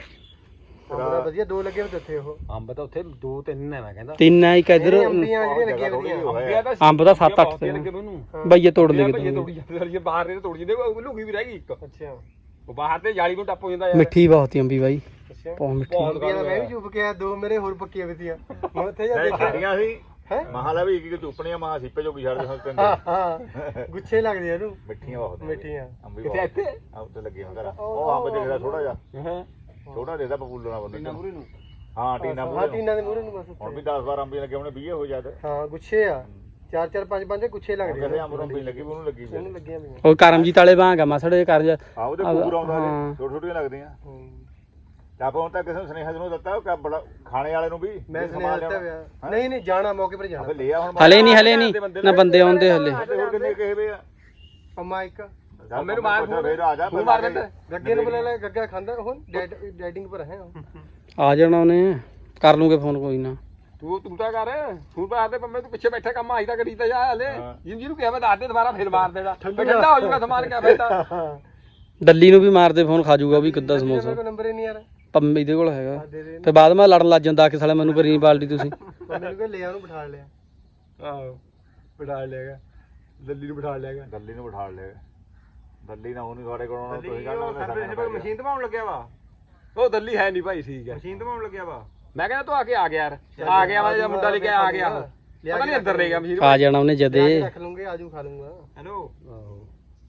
ਬੜਾ ਵਧੀਆ ਦੋ ਲੱਗੇ ਹੋਏ ਉੱਥੇ ਉਹ ਅੰਬ ਤਾਂ ਉੱਥੇ 2-3 ਨੇ ਮੈਂ ਕਹਿੰਦਾ ਤਿੰਨ ਆ ਇੱਕ ਇਧਰ ਅੰਬੀਆਂ ਜਿਹੜੀਆਂ ਲੱਗੀਆਂ ਵਧੀਆ ਅੰਬੀਆਂ ਤਾਂ ਅੰਬ ਦਾ 7-8 ਤੇ ਲੱਗੇ ਮੈਨੂੰ ਬਈਏ ਤੋੜ ਲੈ ਭਈਏ ਤੋੜੀ ਜਾਂਦੇ ਬਾਹਰ ਦੇ ਤੋੜੀ ਜਾਂਦੇ ਉਹ ਲੁਕੀ ਵੀ ਰਹਿ ਗਈ ਇੱਕ ਅੱਛਾ ਉਹ ਬਾਹਰ ਤੇ ਜਾਲੀ ਨੂੰ ਟੱਪ ਹੋ ਜਾਂਦਾ ਯਾਰ ਮਿੱਠੀ ਬਹੁਤ ਹੀ ਅੰਬੀ ਬਾਈ ਅੱਛਾ ਬਹੁਤ ਮਿੱਠੀ ਅੰਬੀਆਂ ਦਾ ਮੈਂ ਵੀ ਚੁੱਪ ਕੇ ਆ ਦੋ ਮੇਰੇ ਹੋਰ ਪੱਕੀਆਂ ਵੀਆਂ ਮੈਂ ਉੱਥੇ ਜਾ ਦੇਖਿਆ ਸਾਡੀਆਂ ਸੀ ਹੈ ਮਹਾਲਾ ਵੀ ਇੱਕ ਚੁੱਪਣੀਆਂ ਮਹਾ ਸੀਪੇ ਜੋ ਛੱਡਦੇ ਹਾਂ ਤਿੰਨ ਹਾਂ ਗੁੱਛੇ ਲੱਗਦੇ ਆ ਇਹਨੂੰ ਮਿੱਠੀਆਂ ਬਹੁਤ ਮਿੱਠੀਆਂ ਅੰਬੀ ਕਿੱਥੇ ਇੱਥੇ ਆ ਉੱਤੇ ਲੱਗੇ ਹੁੰਦਾ ਉਹ ਅੰਬ ਜਿਹੜਾ ਥੋੜਾ ਜਿਹਾ ਹਾਂ ਛੋਟਾ ਦੇਦਾ ਪਪੂਲਣਾ ਬੰਦੇ ਟੀਨਾ ਮੂਰੇ ਨੂੰ ਹਾਂ ਟੀਨਾ ਹਾਂ ਮੂਰੇ ਟੀਨਾਂ ਦੇ ਮੂਹਰੇ ਨੂੰ ਬਸ ਹੁਣ ਵੀ 10-12 ਅੰਬੀ ਲੱਗੇ ਉਹਨੇ 20 ਹੋ ਜਾਂਦੇ ਹਾਂ ਗੁੱਛੇ ਆ 4-4 5-5 ਗੁੱਛੇ ਲੱਗਦੇ ਕਹਿੰਦੇ ਅੰਬ ਅੰਬੀ ਲੱਗੀ ਵੀ ਉਹਨੂੰ ਲੱਗੀ ਵੀ ਉਹਨੂੰ ਲੱਗੀਆਂ ਪਈਆਂ ਉਹ ਕਰਮਜੀਤ ਵਾਲੇ ਵਾਂਗ ਆ ਮਸੜ ਇਹ ਕਰ ਜਾ ਆ ਉਹਦੇ ਪੂਰ ਆਉਂਦਾ ਹਾਂ। ਛੋਟੇ ਛੋਟੀਆਂ ਲੱਗਦੀਆਂ ਤਾਂ ਆਪਾਂ ਹੁਣ ਤਾਂ ਕਿਸੇ ਨੂੰ ਸੁਨੇਹਾ ਨੂੰ ਦਿੱਤਾ ਉਹ ਬੜਾ ਖਾਣੇ ਵਾਲੇ ਨੂੰ ਵੀ ਮੈਂ ਸੁਣਿਆ ਦਿੱਤਾ ਪਿਆ ਨਹੀਂ ਨਹੀਂ ਜਾਣਾ ਮੌਕੇ ਪਰ ਜਾਣਾ ਆਪੇ ਲਿਆ ਹੁਣ ਹਲੇ ਨਹੀਂ ਨਾ ਬੰਦੇ ਆਉਂਦੇ ਹਲੇ ਹੋਰ ਕਿੰਨੇ ਕਹੇ ਵੇ ਆ ਅੰਮਾ ਇੱਕ ਮੈਨੂੰ ਮਾਰ ਫੇਰ ਆ ਜਾ ਤੂੰ ਮਾਰ ਦਿੰਦਾ ਗੱਗੇ ਨੂੰ ਬੁਲਾ ਲੈ ਗੱਗਾ ਖਾਂਦਾ ਉਹ ਡਾਈਟਿੰਗ ਪਰ ਹੈ ਉਹ ਆ ਜਾਣਾ ਉਹਨੇ ਕਰ ਲੂਗੇ ਫੋਨ ਕੋਈ ਨਾ ਤੂੰ ਤਾਂ ਕਰ ਤੂੰ ਤਾਂ ਆਦੇ ਪੰਮੇ ਤੂੰ ਪਿੱਛੇ ਬੈਠਾ ਕੰਮ ਆਈ ਤਾਂ ਕਰੀ ਤਾਂ ਜਾ ਹਲੇ ਜਿਹਨੂੰ ਕਿਹਾ ਮੈਂ ਦੱਸ ਦੇ ਦੁਬਾਰਾ ਫੇਰ ਮਾਰ ਦੇਣਾ ਠੰਡਾ ਹੋ ਜਾਊਗਾ ਸਮਾਨ ਕਿਆ ਫਾਇਦਾ ਦੱਲੀ ਨੂੰ ਵੀ ਮਾਰਦੇ ਫੋਨ ਖਾ ਜਾਊਗਾ ਵੀ ਕਿੱਦਾਂ ਸਮੋਸਾ ਕੋਈ ਨੰਬਰ ਹੀ ਨਹੀਂ ਯਾਰ ਪੰਮੇ ਦੇ ਕੋਲ ਹੈਗਾ ਦੇ ਦੇ ਤੇ ਬਾਅਦ ਮੈਂ ਲੜਨ ਲੱਗ ਜਾਂਦਾ ਕਿ ਸਾਲੇ ਮੈਨੂੰ ਕਰੀ ਨਹੀਂ ਬਾਲਦੀ ਤੁਸੀਂ ਮੈਨੂੰ ਕੋਈ ਲਿਆ ਉਹਨੂੰ ਬਿਠਾ ਲਿਆ ਆਹੋ ਬਿਠਾ ਲਿਆਗਾ ਦਿੱਲੀ ਨੂੰ ਬਿਠਾ ਲਿਆਗਾ ਦੱਲੀ ਨੂੰ ਬਿਠਾ ਲਿਆ ਦੱਲੀ ਨਾ ਉਹਨੂੰ ਤੁਹਾਡੇ ਕੋਲ ਆਉਣਾ ਤੁਸੀਂ ਕਹਿੰਦਾ ਮਸ਼ੀਨ ਦਬਾਉਣ ਲੱਗਿਆ ਵਾ ਉਹ ਦਿੱਲੀ ਹੈ ਨਹੀਂ ਭਾਈ ਠੀਕ ਹੈ ਮਸ਼ੀਨ ਦਬਾਉਣ ਲੱਗਿਆ ਵਾ ਮੈਂ ਕਹਿੰਦਾ ਤੂੰ ਆ ਕੇ ਆ ਗਿਆ ਯਾਰ ਆ ਗਿਆ ਵਾ ਮੁੰਡਾ ਲੈ ਕੇ ਆ ਗਿਆ ਪਤਾ ਨਹੀਂ ਅੰਦਰ ਲੈ ਗਿਆ ਮਸ਼ੀਨ ਆ ਜਾਣਾ ਉਹਨੇ ਜਦੇ ਰੱਖ ਲੂੰਗੇ ਆਜੂ ਖਾ ਲੂੰਗਾ ਹੈਲੋ ਆਹੋ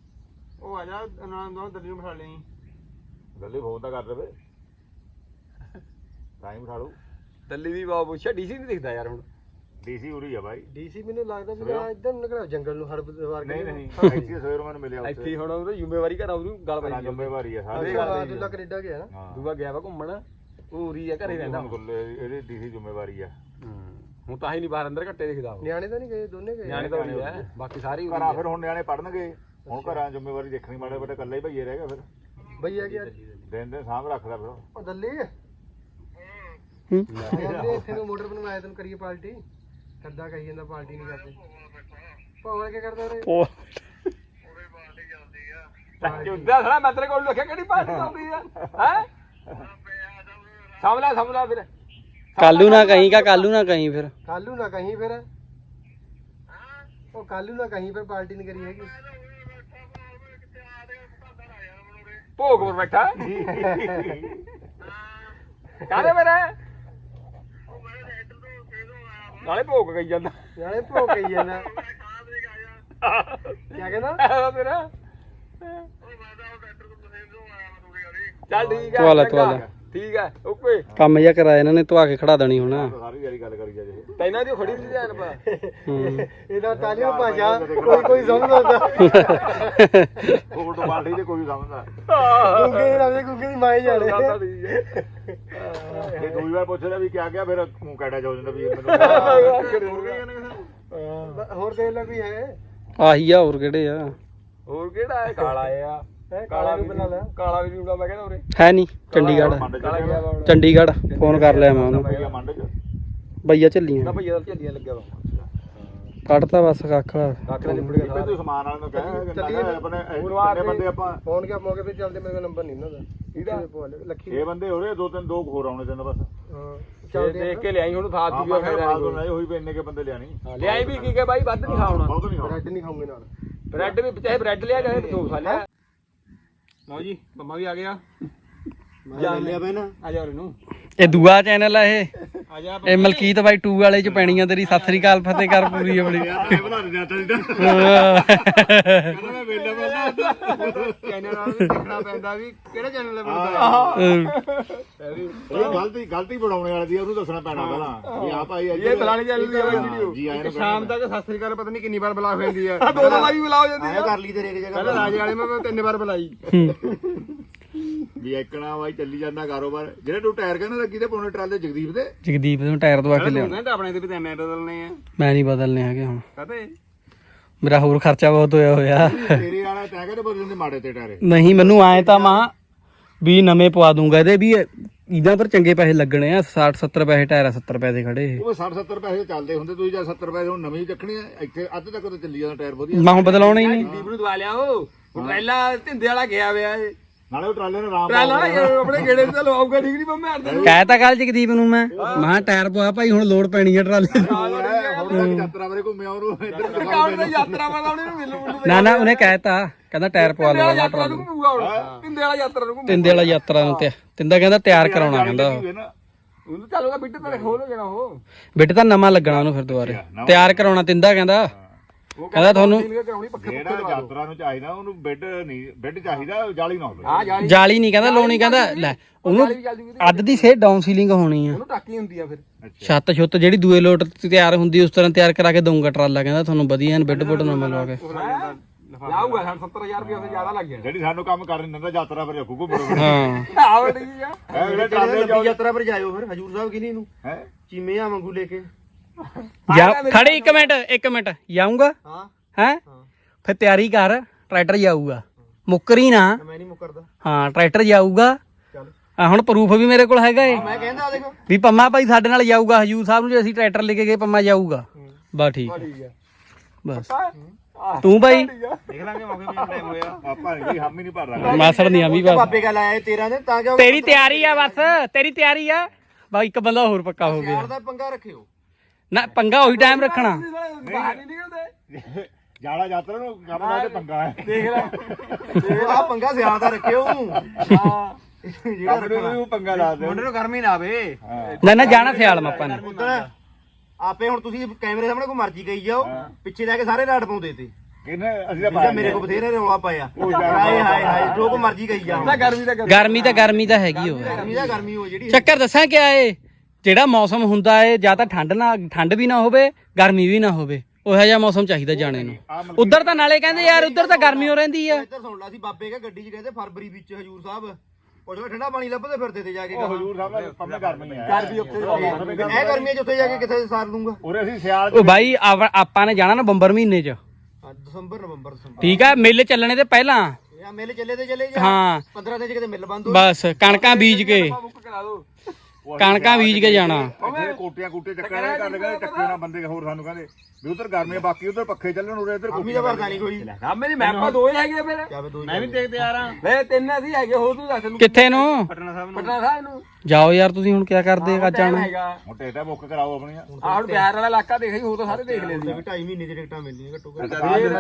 ਉਹ ਆ ਜਾ ਉਹਨਾਂ ਦਿੱਲੀ ਨੂੰ ਬਿਠਾ ਲਈ ਦੱਲੀ ਫੋਨ ਤਾਂ ਕਰ ਦੇਵੇ ਤਾਂ ਹੀ ਬਿਠਾ ਲੂ ਦਿੱਲੀ ਦੀ ਬਾਬੂ ਡੀਸੀ ਨਹੀਂ ਦਿਖਦਾ ਯਾਰ ਹੁਣ ਡੀਸੀ ਉਰੀ ਆ ਬਾਈ ਡੀਸੀ ਮੈਨੂੰ ਲੱਗਦਾ ਵੀ ਆ ਇੱਧਰ ਨੂੰ ਨਿਕਲਿਆ ਜੰਗਲ ਨੂੰ ਹੜ ਵਾਰ ਨਹੀਂ ਨਹੀਂ ਇੱਥੇ ਸਵੇਰ ਮੈਨੂੰ ਮਿਲਿਆ ਇੱਥੇ ਹੁਣ ਉਹਦੀ ਜ਼ਿੰਮੇਵਾਰੀ ਘਰ ਉਹਨੂੰ ਗੱਲ ਹਾਂ ਪਾਈ ਜ਼ਿੰਮੇਵਾਰੀ ਆ ਸਾਰੇ ਦੂਜਾ ਕੈਨੇਡਾ ਗਿਆ ਨਾ ਹਾਂ ਦੂਆ ਗਿਆ ਵਾ ਘੁੰਮਣ ਉਹ ਉਰੀ ਆ ਘਰੇ ਰਹਿੰਦਾ ਇਹਦੀ ਡੀਸੀ ਜ਼ਿੰਮੇਵਾਰੀ ਆ ਹੁਣ ਤਾਂ ਹੀ ਨਹੀਂ ਬਾਹਰ ਅੰਦਰ ਘੱਟੇ ਦਿਖਦਾ ਉਹ ਨਿਆਣੇ ਤਾਂ ਨਹੀਂ ਗਏ ਦੋਨੇ ਗਏ ਨਿਆਣੇ ਤਾਂ ਉਰੀ ਆ ਬਾਕੀ ਸਾਰੇ ਉਰੀ ਘਰਾਂ ਫਿਰ ਹੁਣ ਨਿਆਣੇ ਪੜਨਗੇ ਹੁਣ ਘਰਾਂ ਜ਼ਿੰਮੇਵਾਰੀ ਦੇਖਣੀ ਮਾੜੇ ਬੇਟੇ ਇਕੱਲੇ ਹੀ ਭਈਏ ਰਹਿ ਗਿਆ ਫਿਰ ਭਈਆ ਗਿਆ ਦਿਨ ਦਿਨ ਸਾਂਭ ਰੱਖਦਾ ਫਿਰ ਉਹ ਦੱਲੇ ਕਹਿੰਦੇ ਇੱਥੇ ਨੂੰ ਮੋਟਰ ਬਣਵਾਇਆ ਤੈਨੂੰ ਕਰੀਏ ਪਾਰਟੀ ਕਰਦਾ ਕਹੀ ਜਾਂਦਾ ਪਾਰਟੀ ਨਹੀਂ ਕਰਦੇ ਭਾਵਲ ਕੀ ਕਰਦਾ ਰੇ ਜੁੱਦਾ ਸਾਲਾ ਮੈਂ ਤੇਰੇ ਕੋਲ ਰੱਖਿਆ ਕਿਹੜੀ ਪਾਰਟੀ ਆਉਂਦੀ ਆ ਹੈ ਸਮਲਾ ਫਿਰ ਕਾਲੂ ਨਾ ਕਹੀਂ ਕਾਲੂ ਨਾ ਕਹੀਂ ਫਿਰ ਕਾਲੂ ਨਾ ਕਹੀਂ ਫਿਰ ਉਹ ਕਾਲੂ ਨਾ ਕਹੀਂ ਫਿਰ ਪਾਰਟੀ ਨਹੀਂ ਕਰੀ ਹੈਗੀ ਭੋਗ ਪਰ ਬੈਠਾ ਕਾਹਦੇ ਮੇਰੇ ਨਾਲੇ ਭੋਗ ਗਈ ਜਾਂਦਾ ਨਾਲੇ ਭੋਗ ਗਈ ਜਾਂਦਾ ਕੀ ਕਹਿੰਦਾ ਤੇਰਾ ਚੱਲ ਠੀਕ ਆ ਤਵਾਲਾ, ਚੰਗਾ। ਤਵਾਲਾ। ਠੀਕ ਆ ਓਕੇ ਕੰਮ ਜਿਹਾ ਕਰਾਇਆ ਇਹਨਾਂ ਨੇ ਧਵਾ ਕੇ ਖੜਾ ਦੇਣੀ ਹੁਣ ਸਾਰੀ ਯਾਰੀ ਗੱਲ ਕਰੀ ਜਾਂਦੇ ਤੈਨਾਂ ਦੀ ਖੜੀ ਵੀ ਧਿਆਨ ਪਾ ਇਹਦਾ ਤਾਲੀਓ ਭਾਸ਼ਾ ਕੋਈ ਸਮਝਦਾ ਕੋਲ ਤੋਂ ਪਾਰਟੀ ਤੇ ਕੋਈ ਸਮਝਦਾ ਗੁੱਗੇ ਦੇ ਨਾਮ ਦੇ ਗੁੱਗੇ ਦੀ ਮਾਈ ਜਾਣੇ ਇਹ ਦੂਜੀ ਵਾਰ ਪੁੱਛਦਾ ਵੀ ਕਿਆ ਗਿਆ ਫਿਰ ਮੂੰਹ ਕਾਟਾ ਜਾ ਜਾਂਦਾ ਵੀ ਮੈਨੂੰ ਹੋਰ ਦੇਖ ਲੈ ਵੀ ਹੈ ਆਹੀ ਆ ਹੋਰ ਕਿਹੜੇ ਆ ਹੋਰ ਕਿਹੜਾ ਹੈ ਕਾਲਾ ਆ ਕਾਲਾ ਵੀ ਬਣਾ ਲਿਆ ਕਾਲਾ ਵੀ ਜੂਗਾ ਮੈਂ ਕਹਿੰਦਾ ਉਰੇ ਹੈ ਨਹੀਂ ਚੰਡੀਗੜ੍ਹ ਕਾਲਾ ਗਿਆ ਵਾ ਹੁਣ ਚੰਡੀਗੜ੍ਹ ਫੋਨ ਕਰ ਲਿਆ ਮੈਂ ਉਹਨੂੰ ਭਈਆ ਮੰਡ ਚ ਬਈਆ ਚੱਲੀਆਂ ਨਾ ਭਈਆ ਦਾ ਝੱਲੀਆਂ ਲੱਗਿਆ ਵਾ ਕੱਢਤਾ ਬਸ ਕੱਖ ਕੱਖ ਨਾਲ ਨਿਬੜ ਗਿਆ ਤੂੰ ਸਾਰਾ ਸਮਾਨ ਵਾਲੇ ਨੂੰ ਕਹਿ ਚੱਲੀਏ ਆਪਣੇ ਗੁਰੂਵਾਰ ਕਿੰਨੇ ਬੰਦੇ ਆਪਾਂ ਫੋਨ ਕਿਆ ਮੌਕੇ ਤੇ ਚੱਲਦੇ ਮੇਰੇ ਕੋਲ ਨੰਬਰ ਨਹੀਂ ਇਹਨਾਂ ਦਾ ਇਹਦਾ ਲੱਖੀ 6 ਬੰਦੇ ਹੋ ਰਹੇ ਦੋ ਹੋਰ ਆਉਣੇ ਤੈਨੂੰ ਬਸ ਹਾਂ ਚੱਲ ਦੇਖ ਕੇ ਲਿਆਈ ਹੁਣ ਫਾਸ ਹਾਂ ਵੀ ਮੈਂ ਫਾਇਦਾ ਬਾਤ ਨਹੀਂ ਹੋਈ ਵੀ ਇੰਨੇ ਕੇ ਬੰਦੇ ਲਿਆਣੀ ਲਿਆਈ ਵੀ ਕੀ ਕੇ ਬਾਈ ਵੱਧ ਨਹੀਂ ਖਾਉਣਾ ਬਹੁਤ ਨਹੀਂ ਬ੍ਰੈਡ ਨਹੀਂ ਖਾਉਂਗੇ ਨਾਲ ਬ੍ਰੈਡ ਵੀ ਚਾਹੇ ਬ੍ਰੈਡ ਲਿਆ ਚਾਹੇ ਦੋ ਖਾ ਲਿਆ ਲਓ ਜੀ ਮੰਮਾ ਵੀ ਆ ਗਿਆ ਜਾ ਲਿਆ ਬੈ ਨਾ ਆ ਜਾ ਇਹਨੂੰ ਇਹ ਦੂਆ ਚੈਨਲ ਆ ਇਹ ਆ ਜਾ ਇਹ ਮਲਕੀਤ ਬਾਈ 2 ਵਾਲੇ ਚ ਪੈਣੀਆਂ ਤੇਰੀ ਸਤਿ ਸ੍ਰੀ ਅਕਾਲ ਫਤਿਹ ਕਰ ਪੂਰੀ ਆਪਣੀ ਬਣਾ ਦੇ ਜਾਂਦਾ ਕਹਿੰਦਾ ਮੈਂ ਵੇਲਾ ਬੰਦਾ ਚੈਨਲ ਨਾਲ ਵੀ ਦੇਖਣਾ ਪੈਂਦਾ ਵੀ ਕਿਹੜੇ ਚੈਨਲ ਤੇ ਬਣਦਾ ਇਹ ਗਲਤੀ ਬਣਾਉਣੇ ਵਾਲੀ ਦੀ ਉਹਨੂੰ ਦੱਸਣਾ ਪੈਣਾ ਪਹਿਲਾਂ ਵੀ ਆ ਭਾਈ ਇਹ ਫਲਾਣੀ ਚੱਲ ਰਹੀ ਹੈ ਵੀਡੀਓ ਜੀ ਆਏ ਨੂੰ ਸ਼ਾਮ ਤੱਕ ਸਤਿ ਸ੍ਰੀ ਅਕਾਲ ਪਤਾ ਨਹੀਂ ਕਿੰਨੀ ਵਾਰ ਬੁਲਾ ਫੈਂਦੀ ਆ ਦੋ ਦੋ ਵਾਰੀ ਬੁਲਾਓ ਜਾਂਦੀ ਆਇਆ ਕਰ ਲਈ ਤੇਰੇ ਇੱਕ ਜਗ੍ਹਾ ਪਹਿਲਾਂ ਰਾਜੇ ਵਾਲੇ ਮੈਂ 3 ਵਾਰ ਬੁਲਾਈ ਵੀ ਇੱਕਣਾ ਬਾਈ ਚੱਲੀ ਜਾਂਦਾ ਕਾਰੋਬਾਰ ਜਿਹੜੇ ਤੂੰ ਟਾਇਰ ਕਹਿੰਦਾ ਲੱਗੀ ਤੇ ਪਾਉਣੇ ਟਰਾਲੇ ਜਗਦੀਪ ਦੇ ਜਗਦੀਪ ਨੂੰ ਟਾਇਰ ਦਵਾ ਕੇ ਲਿਆਉਣਾ ਤਾਂ ਆਪਣੇ ਤੇ ਵੀ ਤਾਂ ਮੈਂ ਬਦਲਨੇ ਆ ਮੈਂ ਨਹੀਂ ਬਦਲਨੇ ਹੈਗੇ ਹੁਣ ਕਹਤੇ ਮੇਰਾ ਹੋਰ ਖਰਚਾ ਬਹੁਤ ਹੋਇਆ ਤੇਰੇ ਵਾਲਾ ਤੈਂ ਕਹਿੰਦੇ ਬਦਲਣ ਦੇ ਮਾੜੇ ਤੇ ਟਾਇਰ ਨਹੀਂ ਮੈਨੂੰ ਆਏ ਤਾਂ ਮਾਂ ਵੀ ਨਵੇਂ ਪਵਾ ਦੂੰਗਾ ਇਹਦੇ ਵੀ ਇਹਦਾ ਪਰ ਚੰਗੇ ਪੈਸੇ ਲੱਗਣੇ ਆ 60 70 ਪੈਸੇ ਟਾਇਰ 70 ਪੈਸੇ ਖੜੇ ਇਹ ਉਹ 60 70 ਪੈਸੇ ਚੱਲਦੇ ਹੁੰਦੇ ਤੁਸੀਂ ਜਾਂ 70 ਪੈਸੇ ਹੁਣ ਨਵੀਂ ਚੱਕਣੀ ਆ ਇੱਥੇ ਅੱਧ ਤੱਕ ਤਾਂ ਚੱਲੀ ਜਾਂਦਾ ਟਾਇਰ ਵਧੀਆ ਮੈਂ ਹੁਣ ਬਦਲਾਉਣਾ ਹੀ ਨਹੀਂ ਦੀਪ ਨੂੰ ਦਵਾ ਲਿਆ ਉਹ ਟਰੈਲਾ ਢਿੰਦੇ ਵਾਲਾ ਗਿਆ ਹੋਇਆ ਏ ਨਾਲੇ ਉਹ ਟਰਾਲੇ ਨੂੰ ਆਰਾਮ ਟਰੈਲਾ ਆਪਣੇ ਗੇੜੇ ਤੇ ਲਵਾਊਗਾ ਠੀਕ ਨਹੀਂ ਮੈਂ ਮਾਰਦਾ ਕਹਿ ਤਾਂ ਕੱਲ ਜਗਦੀਪ ਨੂੰ ਮੈਂ ਮਾਂ ਟਾਇਰ ਪਵਾ ਭਾਈ ਹੁਣ ਲੋਡ ਪੈਣੀ ਆ ਟਰਾਲੇ ਦੀ ਹੁਣ ਤੱਕ ਯਾਤਰਾ ਬਾਰੇ ਘੁੰਮਿਆ ਉਹਨੂੰ ਇੱਧਰ ਕਾਉਣ ਦਾ ਯਾਤਰਾ ਵਾਲਾ ਉਹਨੇ ਮਿਲੂ ਨਾ ਨਾ ਉਹਨੇ ਕਹਿਤਾ ਕਹਿੰਦਾ ਟਾਇਰ ਪਵਾ ਲਓ ਯਾਤਰਾ ਨੂੰ ਘੁੰਮੂਗਾ ਹੁਣ ਢਿੰਦੇ ਵਾਲਾ ਯਾਤਰਾ ਨੂੰ ਘੁੰਮੂ ਤਿੰਦੇ ਵਾਲਾ ਯਾਤਰਾ ਨੂੰ ਤੇ ਤਿੰਦਾ ਕਹਿੰਦਾ ਤਿਆਰ ਕਰਾਉਣਾ ਕਹਿੰਦਾ ਉਹਨੂੰ ਚੱਲੂਗਾ ਬਿੱਟ ਤੇ ਖੋਲ ਹੋ ਜਾਣਾ ਉਹ ਬਿੱਟ ਤਾਂ ਨਵਾਂ ਲੱਗਣਾ ਉਹਨੂੰ ਫਿਰ ਦੁਬਾਰੇ ਤਿਆਰ ਕਰਾਉਣਾ ਤਿੰਦਾ ਕਹਿੰਦਾ ਕਹਿੰਦਾ ਤੁਹਾਨੂੰ ਕਰਾਉਣੀ ਪੱਖੇ ਜਿਹੜਾ ਯਾਤਰਾ ਨੂੰ ਚਾਹੀਦਾ ਉਹਨੂੰ ਬੈੱਡ ਚਾਹੀਦਾ ਜਾਲੀ ਨਾ ਹੋਵੇ ਆ ਜਾ ਜਾਲੀ ਨਹੀਂ ਕਹਿੰਦਾ ਲਾਉਣੀ ਕਹਿੰਦਾ ਲੈ ਉਹਨੂੰ ਅੱਧ ਦੀ ਸੇ ਡਾਊਨ ਸੀਲਿੰਗ ਹੋਣੀ ਆ ਉਹਨੂੰ ਟਾਕੀ ਹੁੰਦੀ ਆ ਫਿਰ ਛੱਤ ਛੁੱਤ ਜਿਹੜੀ ਦੂਏ ਲੋਟ ਤੇ ਤਿਆਰ ਹੁੰਦੀ ਉਸ ਤਰ੍ਹਾਂ ਤਿਆਰ ਕਰਾ ਕੇ ਦਊਂਗਾ ਟਰਾਲਾ ਕਹਿੰਦਾ ਤੁਹਾਨੂੰ ਵਧੀਆ ਐਨ ਬੈੱਡ ਬੁੱਡ ਨਵਾਂ ਲਵਾ ਕੇ ਲਾਊਗਾ 70000 ਰੁਪਏ ਤੋਂ ਜ਼ਿਆਦਾ ਲੱਗ ਗਿਆ ਜਿਹੜੀ ਸਾਨੂੰ ਕੰਮ ਕਰ ਨਹੀਂ ਦਿੰਦਾ ਯਾਤਰਾ ਪਰ ਰੱਖੂ ਘੁੰਮੋ ਹਾਂ ਆਹ ਠੀਕ ਆ ਜਿਹੜੇ ਟਰਾਲੇ ਜਾਓ ਯਾਤਰਾ ਪਰ ਜਾਇਓ ਫਿਰ ਹਜੂਰ ਸਾਹਿਬ ਕਿਨੀ ਨੂੰ ਹੈ ਚੀਮਿਆਂ ਵਾਂਗੂ ਲੈ ਕੇ ਜਾ ਖੜੇ 1 ਮਿੰਟ ਜਾਊਂਗਾ ਹਾਂ ਹੈ ਫਿਰ ਤਿਆਰੀ ਕਰ ਟਰੈਕਟਰ ਜਾਊਗਾ ਮੁੱਕਰੀ ਨਾ ਮੈਂ ਨਹੀਂ ਮੁਕਰਦਾ ਹਾਂ ਟਰੈਕਟਰ ਜਾਊਗਾ ਆ ਹੁਣ ਪ੍ਰੂਫ ਵੀ ਮੇਰੇ ਕੋਲ ਹੈਗਾ ਏ ਮੈਂ ਕਹਿੰਦਾ ਦੇਖੋ ਵੀ ਪੰਮਾ ਭਾਈ ਸਾਡੇ ਨਾਲ ਜਾਊਗਾ ਹਜੂਰ ਸਾਹਿਬ ਨੂੰ ਜੇ ਅਸੀਂ ਟਰੈਕਟਰ ਲੈ ਕੇ ਗਏ ਪੰਮਾ ਜਾਊਗਾ ਬਸ ਠੀਕ ਠੀਕ ਆ ਬਸ ਤੂੰ ਬਾਈ ਦੇਖ ਲਾਂਗੇ ਮੌਕੇ ਵੀ ਟਾਈਮ ਹੋਇਆ ਆਪਾਂ ਨਹੀਂ ਹਮ ਹੀ ਨਹੀਂ ਭਰ ਰਹਾ ਮਾਸੜ ਨਹੀਂ ਆਵੀ ਬਸ ਬਾਬੇ ਗੱਲ ਆਇਆ 13 ਦਿਨ ਤਾਂ ਕਿ ਤੇਰੀ ਤਿਆਰੀ ਆ ਬਸ ਤੇਰੀ ਤਿਆਰੀ ਆ ਬਾ ਇੱਕ ਬੰਦਾ ਹੋਰ ਪੱਕਾ ਹੋ ਗਿਆ ਯਾਰ ਦਾ ਪੰਗਾ ਰੱਖਿਓ ਨਾ ਪੰਗਾ ਉਹੀ ਟਾਈਮ ਰੱਖਣਾ ਬਾਹਰ ਨਹੀਂ ਨਿਕਲਦੇ ਜਾਲਾ ਯਾਤਰਾ ਨੂੰ ਕੰਮ ਦਾ ਤੇ ਪੰਗਾ ਹੈ ਦੇਖ ਲੈ ਆ ਪੰਗਾ ਸਿਆਲ ਦਾ ਰੱਖਿਓ ਹਾਂ ਜਿਹੜਾ ਆਪਣੇ ਨੂੰ ਪੰਗਾ ਲਾ ਦੇ ਮੁੰਡੇ ਨੂੰ ਗਰਮੀ ਨਾ ਆਵੇ ਨਾ ਜਾਣਾ ਸਿਆਲ ਮਾਪਾ ਨੇ ਪੁੱਤਰ ਆਪੇ ਹੁਣ ਤੁਸੀਂ ਕੈਮਰੇ ਸਾਹਮਣੇ ਕੋਈ ਮਰਜ਼ੀ ਕਹੀ ਜਾਓ ਪਿੱਛੇ ਜਾ ਕੇ ਸਾਰੇ ਰਾੜ ਪਾਉਂਦੇ ਤੇ ਕਿੰਨੇ ਅਸੀਂ ਤਾਂ ਅੱਛਾ ਮੇਰੇ ਕੋ ਬਥੇਰੇ ਰੌਲਾ ਪਾਇਆ ਹਾਏ ਹਾਏ ਹਾਏ ਜੋ ਕੋ ਮਰਜ਼ੀ ਕਹੀ ਜਾ ਗਰਮੀ ਦਾ ਗਰਮੀ ਤਾਂ ਹੈਗੀ ਹੋ ਗਰਮੀ ਦਾ ਗਰਮੀ ਹੋ ਜਿਹੜੀ ਚੱਕਰ ਦੱਸਾਂ ਕਿਆ ਏ ਜਿਹੜਾ ਮੌਸਮ ਹੁੰਦਾ ਏ ਜਾਂ ਤਾਂ ਠੰਡ ਵੀ ਨਾ ਹੋਵੇ ਗਰਮੀ ਵੀ ਨਾ ਹੋਵੇ ਉਹੋ ਜਿਹਾ ਮੌਸਮ ਚਾਹੀਦਾ ਜਾਣੇ ਨੂੰ ਉਧਰ ਤਾਂ ਨਾਲੇ ਕਹਿੰਦੇ ਯਾਰ ਉਧਰ ਤਾਂ ਗਰਮੀ ਹੋ ਰਹਿੰਦੀ ਆ ਇੱਧਰ ਸੁਣ ਲਾ ਸੀ ਬਾਬੇ ਕਾ ਗੱਡੀ 'ਚ ਕਹਿੰਦੇ ਫਰਵਰੀ ਵਿੱਚ ਹਜੂਰ ਸਾਹਿਬ ਉਹ ਠੰਡਾ ਪਾਣੀ ਲੱਭਦੇ ਫਿਰਦੇ ਤੇ ਜਾ ਕੇ ਹਜੂਰ ਸਾਹਿਬ ਦਾ ਪੰਮੇ ਗਰਮੀ ਹੈ ਘਰ ਵੀ ਉੱਥੇ ਇਹ ਗਰਮੀਆਂ 'ਚ ਉੱਥੇ ਜਾ ਕੇ ਕਿੱਥੇ ਸਾਰ ਦੂੰਗਾ ਉਰੇ ਅਸੀਂ ਸਿਆਲ ਉਹ ਬਾਈ ਆਪਾਂ ਨੇ ਜਾਣਾ ਨਵੰਬਰ ਮਹੀਨੇ 'ਚ ਦਸੰਬਰ ਨਵੰਬਰ ਠੀਕ ਆ ਮੇਲੇ ਚੱਲਣੇ ਤੇ ਪਹਿਲਾਂ ਇਹ ਮੇਲੇ ਚੱਲੇ ਤੇ ਚਲੇ ਜਾ ਹਾਂ 15 ਦਿਨ 'ਚ ਕਿਤੇ ਮਿਲ ਬੰਦ ਹੋ ਬਸ ਕਣਕਾਂ ਬੀਜ ਕੇ ਬੁੱਕ ਕਰਾ ਦੋ ਕਣਕਾਂ ਬੀਜ ਕੇ ਜਾਣਾ ਇੱਥੇ ਕੋਟੀਆਂ ਚੱਕਣੇ ਕਰਦੇ ਕਹਿੰਦੇ ਚੱਕੇ ਨਾ ਬੰਦੇ ਹੋਰ ਸਾਨੂੰ ਕਹਿੰਦੇ ਵੀ ਉਧਰ ਗਰਮੀ ਆ, ਬਾਕੀ ਉਧਰ ਪੱਖੇ ਚੱਲਣ ਉਰੇ ਇੱਧਰ ਆਮੀ ਦਾ ਵਰਦਾ ਨਹੀਂ ਕੋਈ ਨਾ ਮੇਰੀ ਮੈਪਾਂ ਦੋ ਹੀ ਹੈਗੇ ਫਿਰ ਜਾਵੇ ਦੋ ਮੈਂ ਵੀ ਦੇਖਦੇ ਆ ਰਹਾ ਵੇ ਤਿੰਨ ਅਸੀਂ ਹੈਗੇ ਹੋਰ ਤੂੰ ਦੱਸ ਨੂੰ ਕਿੱਥੇ ਨੂੰ ਪਟਨਾ ਸਾਹਿਬ ਨੂੰ ਜਾਓ ਯਾਰ ਤੁਸੀਂ ਹੁਣ ਕੀ ਕਰਦੇ ਆ ਜਾਣਾ ਹੈਗਾ ਮੋਟੇ ਟਾ ਬੁੱਕ ਕਰਾਓ ਆਪਣੀਆਂ ਆਹ ਹੁਣ ਬਿਹਾਰ ਵਾਲਾ ਇਲਾਕਾ ਦੇਖ ਹੀ ਹੋ ਤਾਂ ਸਾਰੇ ਦੇਖ ਲੈਂਦੇ 2.5 ਮਹੀਨੇ ਦੀ ਟਿਕਟਾਂ ਮਿਲਣੀਆਂ ਘੱਟੋ ਘੱਟ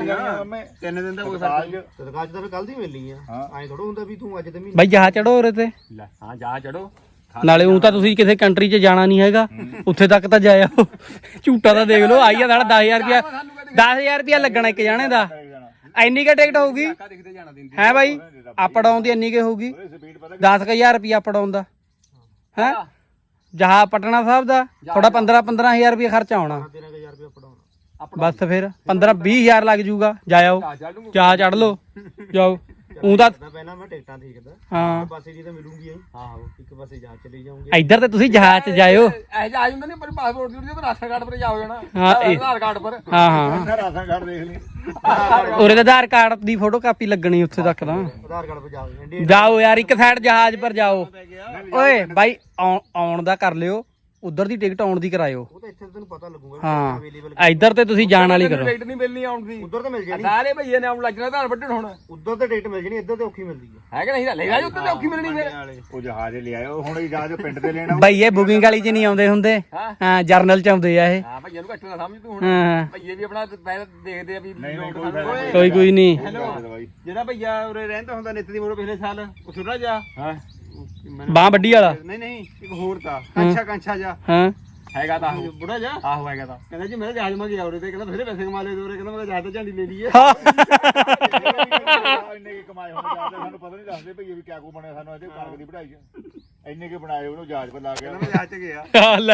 ਤਿੰਨ ਦਿਨ ਦਾ ਕੋਈ ਤਦਕਾਲ 'ਚ ਤਾਂ ਫਿਰ ਕੱਲ ਦੀ ਮਿਲਣੀ ਆ ਐਂ ਥੋੜਾ ਹੁੰਦਾ ਵੀ ਤੂੰ ਅੱਜ ਦੇ ਮਹੀਨੇ ਬਾਈ ਜਹਾਜ਼ ਚੜੋ ਉਰੇ ਤੇ ਹਾਂ ਜਾ ਚੜੋ ਨਾਲੇ ਉਹ ਤਾਂ ਤੁਸੀਂ ਕਿਸੇ ਕੰਟਰੀ 'ਚ ਜਾਣਾ ਨਹੀਂ ਹੈਗਾ ਉੱਥੇ ਤੱਕ ਤਾਂ ਜਾਇਆ ਝੂਟਾ ਤਾਂ ਦੇਖ ਲਓ ਆਈ ਆ ਸਾਡਾ 10000 ਰੁਪਿਆ ਲੱਗਣਾ ਇੱਕ ਜਾਣੇ ਦਾ ਇੰਨੀ ਕੁ ਟਿਕਟ ਹੋਊਗੀ ਦਿਖਦੇ ਜਾਣਾ ਦਿਨ ਹੈ ਬਾਈ ਅਪ ਡਾਊਨ ਦੀ ਇੰਨੀ ਕੁ ਹੋਊਗੀ 10000 ਰੁਪਿਆ ਅਪ ਡਾਊਨ ਦਾ ਹੈ ਜਹਾ ਪਟਨਾ ਸਾਹਿਬ ਦਾ ਥੋੜਾ 15000 ਰੁਪਿਆ ਖਰਚਾ ਆਉਣਾ 13000 ਰੁਪਏ ਪੜਾਉਣਾ ਬਸ ਫਿਰ 15-20000 ਲੱਗ ਜੂਗਾ ਜਾਇਓ ਜਾ ਚੜ ਲਓ ਜਾਓ ਉਹ ਤਾਂ ਪਹਿਲਾਂ ਮੈਂ ਟਿਕਟਾਂ ਦੇਖਦਾ ਹਾਂ ਪਾਸੇ ਦੀ ਤਾਂ ਮਿਲੂਗੀ ਆਹੋ ਇੱਕ ਪਾਸੇ ਜਾ ਚਲੇ ਜਾਉਂਗੇ ਇੱਧਰ ਤੇ ਤੁਸੀਂ ਜਹਾਜ਼ 'ਚ ਜਾਇਓ ਇਹ ਜਾ ਜਾਂਦਾ ਨਹੀਂ ਪਰ ਪਾਸਪੋਰਟ ਦੀ ਤੇ ਰਾਸ਼ਨ ਕਾਰਡ ਪਰ ਜਾਓ ਜਾਣਾ ਹਾਂ, ਆਧਾਰ ਕਾਰਡ ਪਰ ਹਾਂ ਹਾਂ ਰਾਸ਼ਨ ਕਾਰਡ ਦੇਖ ਲਈ ਉਰੇ ਤਾਂ ਆਧਾਰ ਕਾਰਡ ਦੀ ਫੋਟੋ ਕਾਪੀ ਲੱਗਣੀ ਉੱਥੇ ਤੱਕ ਤਾਂ ਆਧਾਰ ਕਾਰਡ 'ਤੇ ਜਾਓ ਜਾਓ ਯਾਰ ਇੱਕ ਸਾਈਡ ਜਹਾਜ਼ ਪਰ ਜਾਓ ਓਏ ਬਾਈ ਆਉਣ ਦਾ ਕਰ ਲਿਓ ਉਧਰ ਦੀ ਟਿਕਟ ਆਉਣ ਦੀ ਕਰਾਇਓ ਉਹ ਤਾਂ ਇੱਥੇ ਤੈਨੂੰ ਪਤਾ ਲੱਗੂਗਾ ਹਾਂ ਅਵੇਲੇਬਲ ਇੱਧਰ ਤੇ ਤੁਸੀਂ ਜਾਣ ਵਾਲੀ ਕਰੋ ਟਿਕਟ ਨਹੀਂ ਮਿਲਣੀ ਆਉਣ ਦੀ ਉਧਰ ਤਾਂ ਮਿਲ ਜਾਣੀ ਸਾਰੇ ਭਈਏ ਨੇ ਆਉਣ ਲੱਗਣਾ ਧਾਨ ਵੱਢਣ ਹੁਣ ਉਧਰ ਤੇ ਟਿਕਟ ਮਿਲ ਜਾਣੀ ਇੱਧਰ ਤੇ ਔਖੀ ਮਿਲਦੀ ਹੈ ਹੈ ਕਿ ਨਹੀਂ ਲੈ ਜਾ ਉੱਤੇ ਤੇ ਔਖੀ ਮਿਲਣੀ ਫਿਰ ਉਹ ਜਹਾਜ਼ ਲੈ ਆਇਓ ਹੁਣ ਇਹ ਜਹਾਜ਼ ਪਿੰਡ ਤੇ ਲੈਣਾ ਬਾਈ ਇਹ ਬੁਕਿੰਗ ਵਾਲੀ 'ਚ ਨਹੀਂ ਆਉਂਦੇ ਹੁੰਦੇ ਹਾਂ ਜਰਨਲ 'ਚ ਆਉਂਦੇ ਆ ਇਹ ਹਾਂ ਭਈਏ ਨੂੰ ਘੱਟ ਨਾ ਸਮਝ ਤੂੰ ਹੁਣ ਹਾਂ ਭਈਏ ਵੀ ਆਪਣਾ ਪਹਿਲਾਂ ਦੇਖਦੇ ਆ ਵੀ ਕੋਈ ਨਹੀਂ ਜਿਹੜਾ ਭਈਆ ਉਰੇ ਰਹਿੰਦਾ ਹੁੰਦਾ ਨਿੱਤ ਦੀ ਮੋੜ ਪਿਛਲੇ ਸਾਲ ਉਹ ਛੋਟਾ ਜਾ ਹਾਂ ਬਾਹ ਵੱਡੀ ਵਾਲਾ ਨਹੀਂ ਇੱਕ ਹੋਰ ਤਾਂ ਕਾਂਛਾ ਜਾ ਹਾਂ ਹੈਗਾ ਤਾਂ ਬੁੜਾ ਜਾ ਆਹੋ ਹੈਗਾ ਤਾਂ ਕਹਿੰਦਾ ਜੀ ਮੈਂ ਜਹਾਜ਼ ਮਾ ਗਿਆ ਉਰੇ ਤੇ ਕਹਿੰਦਾ ਬਥੇਰੇ ਪੈਸੇ ਕਮਾ ਲਏ ਉਰੇ ਕਹਿੰਦਾ ਮੈਂ ਜਹਾਜ਼ ਤੇ ਝੰਡੀ ਲੈ ਲਈ ਹੈ ਇੰਨੇ ਕੀ ਕਮਾਏ ਹੋਣੇ ਜਹਾਜ਼ ਸਾਨੂੰ ਪਤਾ ਨਹੀਂ ਦੱਸਦੇ ਭਈ ਵੀ ਕਿਆ ਕੋ ਬਣਿਆ ਸਾਨੂੰ ਇਹਦੇ ਕਣਕ ਦੀ ਵਢਾਈ ਇੰਨੇ ਕੇ ਬਣਾਏ ਉਹਨੂੰ ਜਹਾਜ਼ ਪਰ ਲਾ ਕੇ ਮੈਂ ਜਹਾਜ਼ ਤੇ ਗਿਆ ਲੈ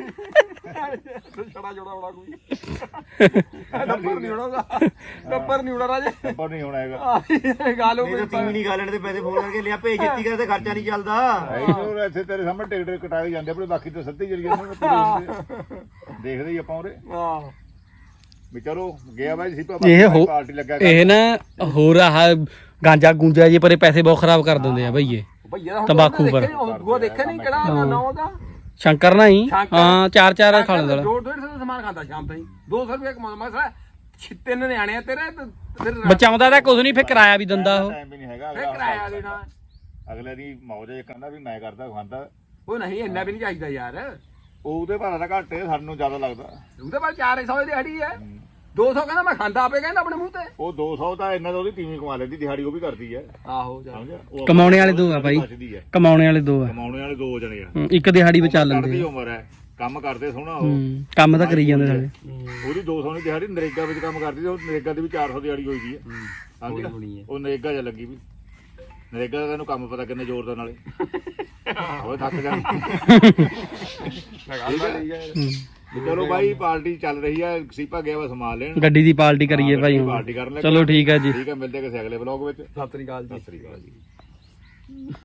ਛੜਾ ਜੋੜਾ ਉੜਾ ਕੋਈ ਨੰਬਰ ਨਹੀਂ ਉੜਾਗਾ ਨੰਬਰ ਨਹੀਂ ਉੜਾ ਰਾਜੇ ਨੰਬਰ ਨਹੀਂ ਹੋਣਾ ਹੈਗਾ ਗੱਲ ਹੋ ਇਹ ਤਾਂ ਤੀਵੀਂ ਨਹੀਂ ਗਾਲਣ ਦੇ ਪੈਸੇ ਫੋਨ ਕਰਕੇ ਲਿਆ ਭੇਜ ਦਿੱਤੀ ਕਰ ਤੇ ਖਰਚਾ ਨਹੀਂ ਚੱਲਦਾ ਇਹ ਇੱਥੇ ਤੇਰੇ ਸਾਹਮਣੇ ਟਿਕਟ ਕਟਾਏ ਜਾਂਦੇ ਆਪਣੇ ਬਾਕੀ ਤਾਂ ਸੱਤੇ ਚਲੀ ਜਾਂਦੇ ਦੇਖਦੇ ਹੀ ਆਪਾਂ ਉਰੇ ਆਹ ਵੀ ਚਲੋ ਗਿਆ ਬਾਈ ਸੀ ਪਾਰਟੀ ਲੱਗਾ ਇਹ ਨਾ ਹੋਰ ਆਹ ਗਾਂਜਾ ਗੂੰਜਾ ਜੇ ਪਰੇ ਪੈਸੇ ਬਹੁਤ ਖਰਾਬ ਕਰ ਦਿੰਦੇ ਆ ਭਈਏ ਭਈਆ ਤੰਬਾਕੂ ਪਰ ਉਹ ਦੇਖਿਆ ਨਹੀਂ ਕਿਹੜਾ ਨਾ ਉਹਦਾ ਸ਼ੰਕਰ ਨਾ ਹੀ ਹਾਂ ਚਾਰ ਖਾ ਲੈਂਦਾ 250 ਦਾ ਸਮਾਨ ਖਾਂਦਾ ਸ਼ਾਮ ਤਾਈਂ 200 ਰੁਪਏ ਕਮਾਉਂਦਾ ਮੈਂ ਸਾਲਾ ਤਿੰਨ ਨਿਆਣੇ ਆ ਤੇਰੇ ਫਿਰ ਬਚਾਉਂਦਾ ਤਾਂ ਕੁਝ ਨਹੀਂ ਫਿਰ ਕਿਰਾਇਆ ਵੀ ਦਿੰਦਾ ਉਹ ਟਾਈਮ ਵੀ ਨਹੀਂ ਹੈਗਾ ਕਿਰਾਇਆ ਦੇਣਾ ਅਗਲੇ ਦੀ ਮੌਜ ਇਹ ਕਹਿੰਦਾ ਵੀ ਮੈਂ ਕਰਦਾ ਖਾਂਦਾ ਉਹ ਨਹੀਂ ਇੰਨਾ ਵੀ ਨਹੀਂ ਚਾਹੀਦਾ ਯਾਰ ਉਹਦੇ ਭਾੜਾ ਦਾ ਘੱਟ ਹੈ ਸਾਨੂੰ ਜ਼ਿਆਦਾ ਲੱਗਦਾ ਉਹਦੇ ਬਾਅਦ 400 ਦੀ ਦਿਹਾੜੀ ਹੈ 200 ਕਹਿੰਦਾ ਮੈਂ ਖਾਂਦਾ ਆਪੇ ਕਹਿੰਦਾ ਆਪਣੇ ਮੂੰਹ ਤੇ ਉਹ 200 ਤਾਂ ਇੰਨਾ ਤਾਂ ਉਹਦੀ ਤੀਵੀਂ ਕਮਾ ਲੈਂਦੀ ਦਿਹਾੜੀ ਉਹ ਵੀ ਕਰਦੀ ਹੈ ਆਹੋ ਸਮਝਿਆ ਉਹ ਕਮਾਉਣੇ ਵਾਲੇ ਦੋ ਆ ਬਾਈ ਬਚਦੀ ਹੈ ਕਮਾਉਣੇ ਵਾਲੇ ਦੋ ਆ ਕਮਾਉਣੇ ਵਾਲੇ ਦੋ ਜਣੇ ਆ ਇੱਕ ਦਿਹਾੜੀ ਬਚਾ ਕਰਦੀ ਲੈਂਦੇ ਉਮਰ ਹੈ ਕੰਮ ਕਰਦੇ ਸੋਹਣਾ ਉਹ ਕੰਮ ਤਾਂ ਕਰੀ ਜਾਂਦੇ ਸਾਰੇ ਉਹਦੀ 200 ਦੀ ਦਿਹਾੜੀ ਨਰੇਗਾ ਵਿੱਚ ਕੰਮ ਕਰਦੀ ਉਹ ਨਰੇਗਾ ਦੀ ਵੀ 400 ਦਿਹਾੜੀ ਹੋਈ ਦੀ ਹੈ ਸਮਝਿਆ ਉਹ ਨਰੇਗਾ ਚ ਲੱਗੀ ਵੀ ਨਰੇਗਾ ਦਾ ਤੈਨੂੰ ਕੰਮ ਪਤਾ ਕਿੰਨੇ ਜ਼ੋਰ ਦਾ ਨਾਲੇ ਉਹ ਥੱਕ ਜਾ ਚਲੋ ਬਾਈ ਪਾਰਟੀ ਚੱਲ ਰਹੀ ਹੈ ਸੀਪਾ ਗਿਆ ਵਾ ਸਮਾਨ ਲੈਣ ਗੱਡੀ ਦੀ ਪਾਰਟੀ ਕਰੀਏ ਭਾਈ ਹੁਣ ਪਾਰਟੀ ਕਰਨ ਲੱਗੇ ਚਲੋ ਠੀਕ ਹੈ ਜੀ ਠੀਕ ਹੈ ਮਿਲਦੇ ਕਿਸੇ ਅਗਲੇ ਵਲੌਗ ਵਿੱਚ ਸਤਿ ਸ੍ਰੀ ਅਕਾਲ ਜੀ ਸਤਿ ਸ੍ਰੀ ਅਕਾਲ ਜੀ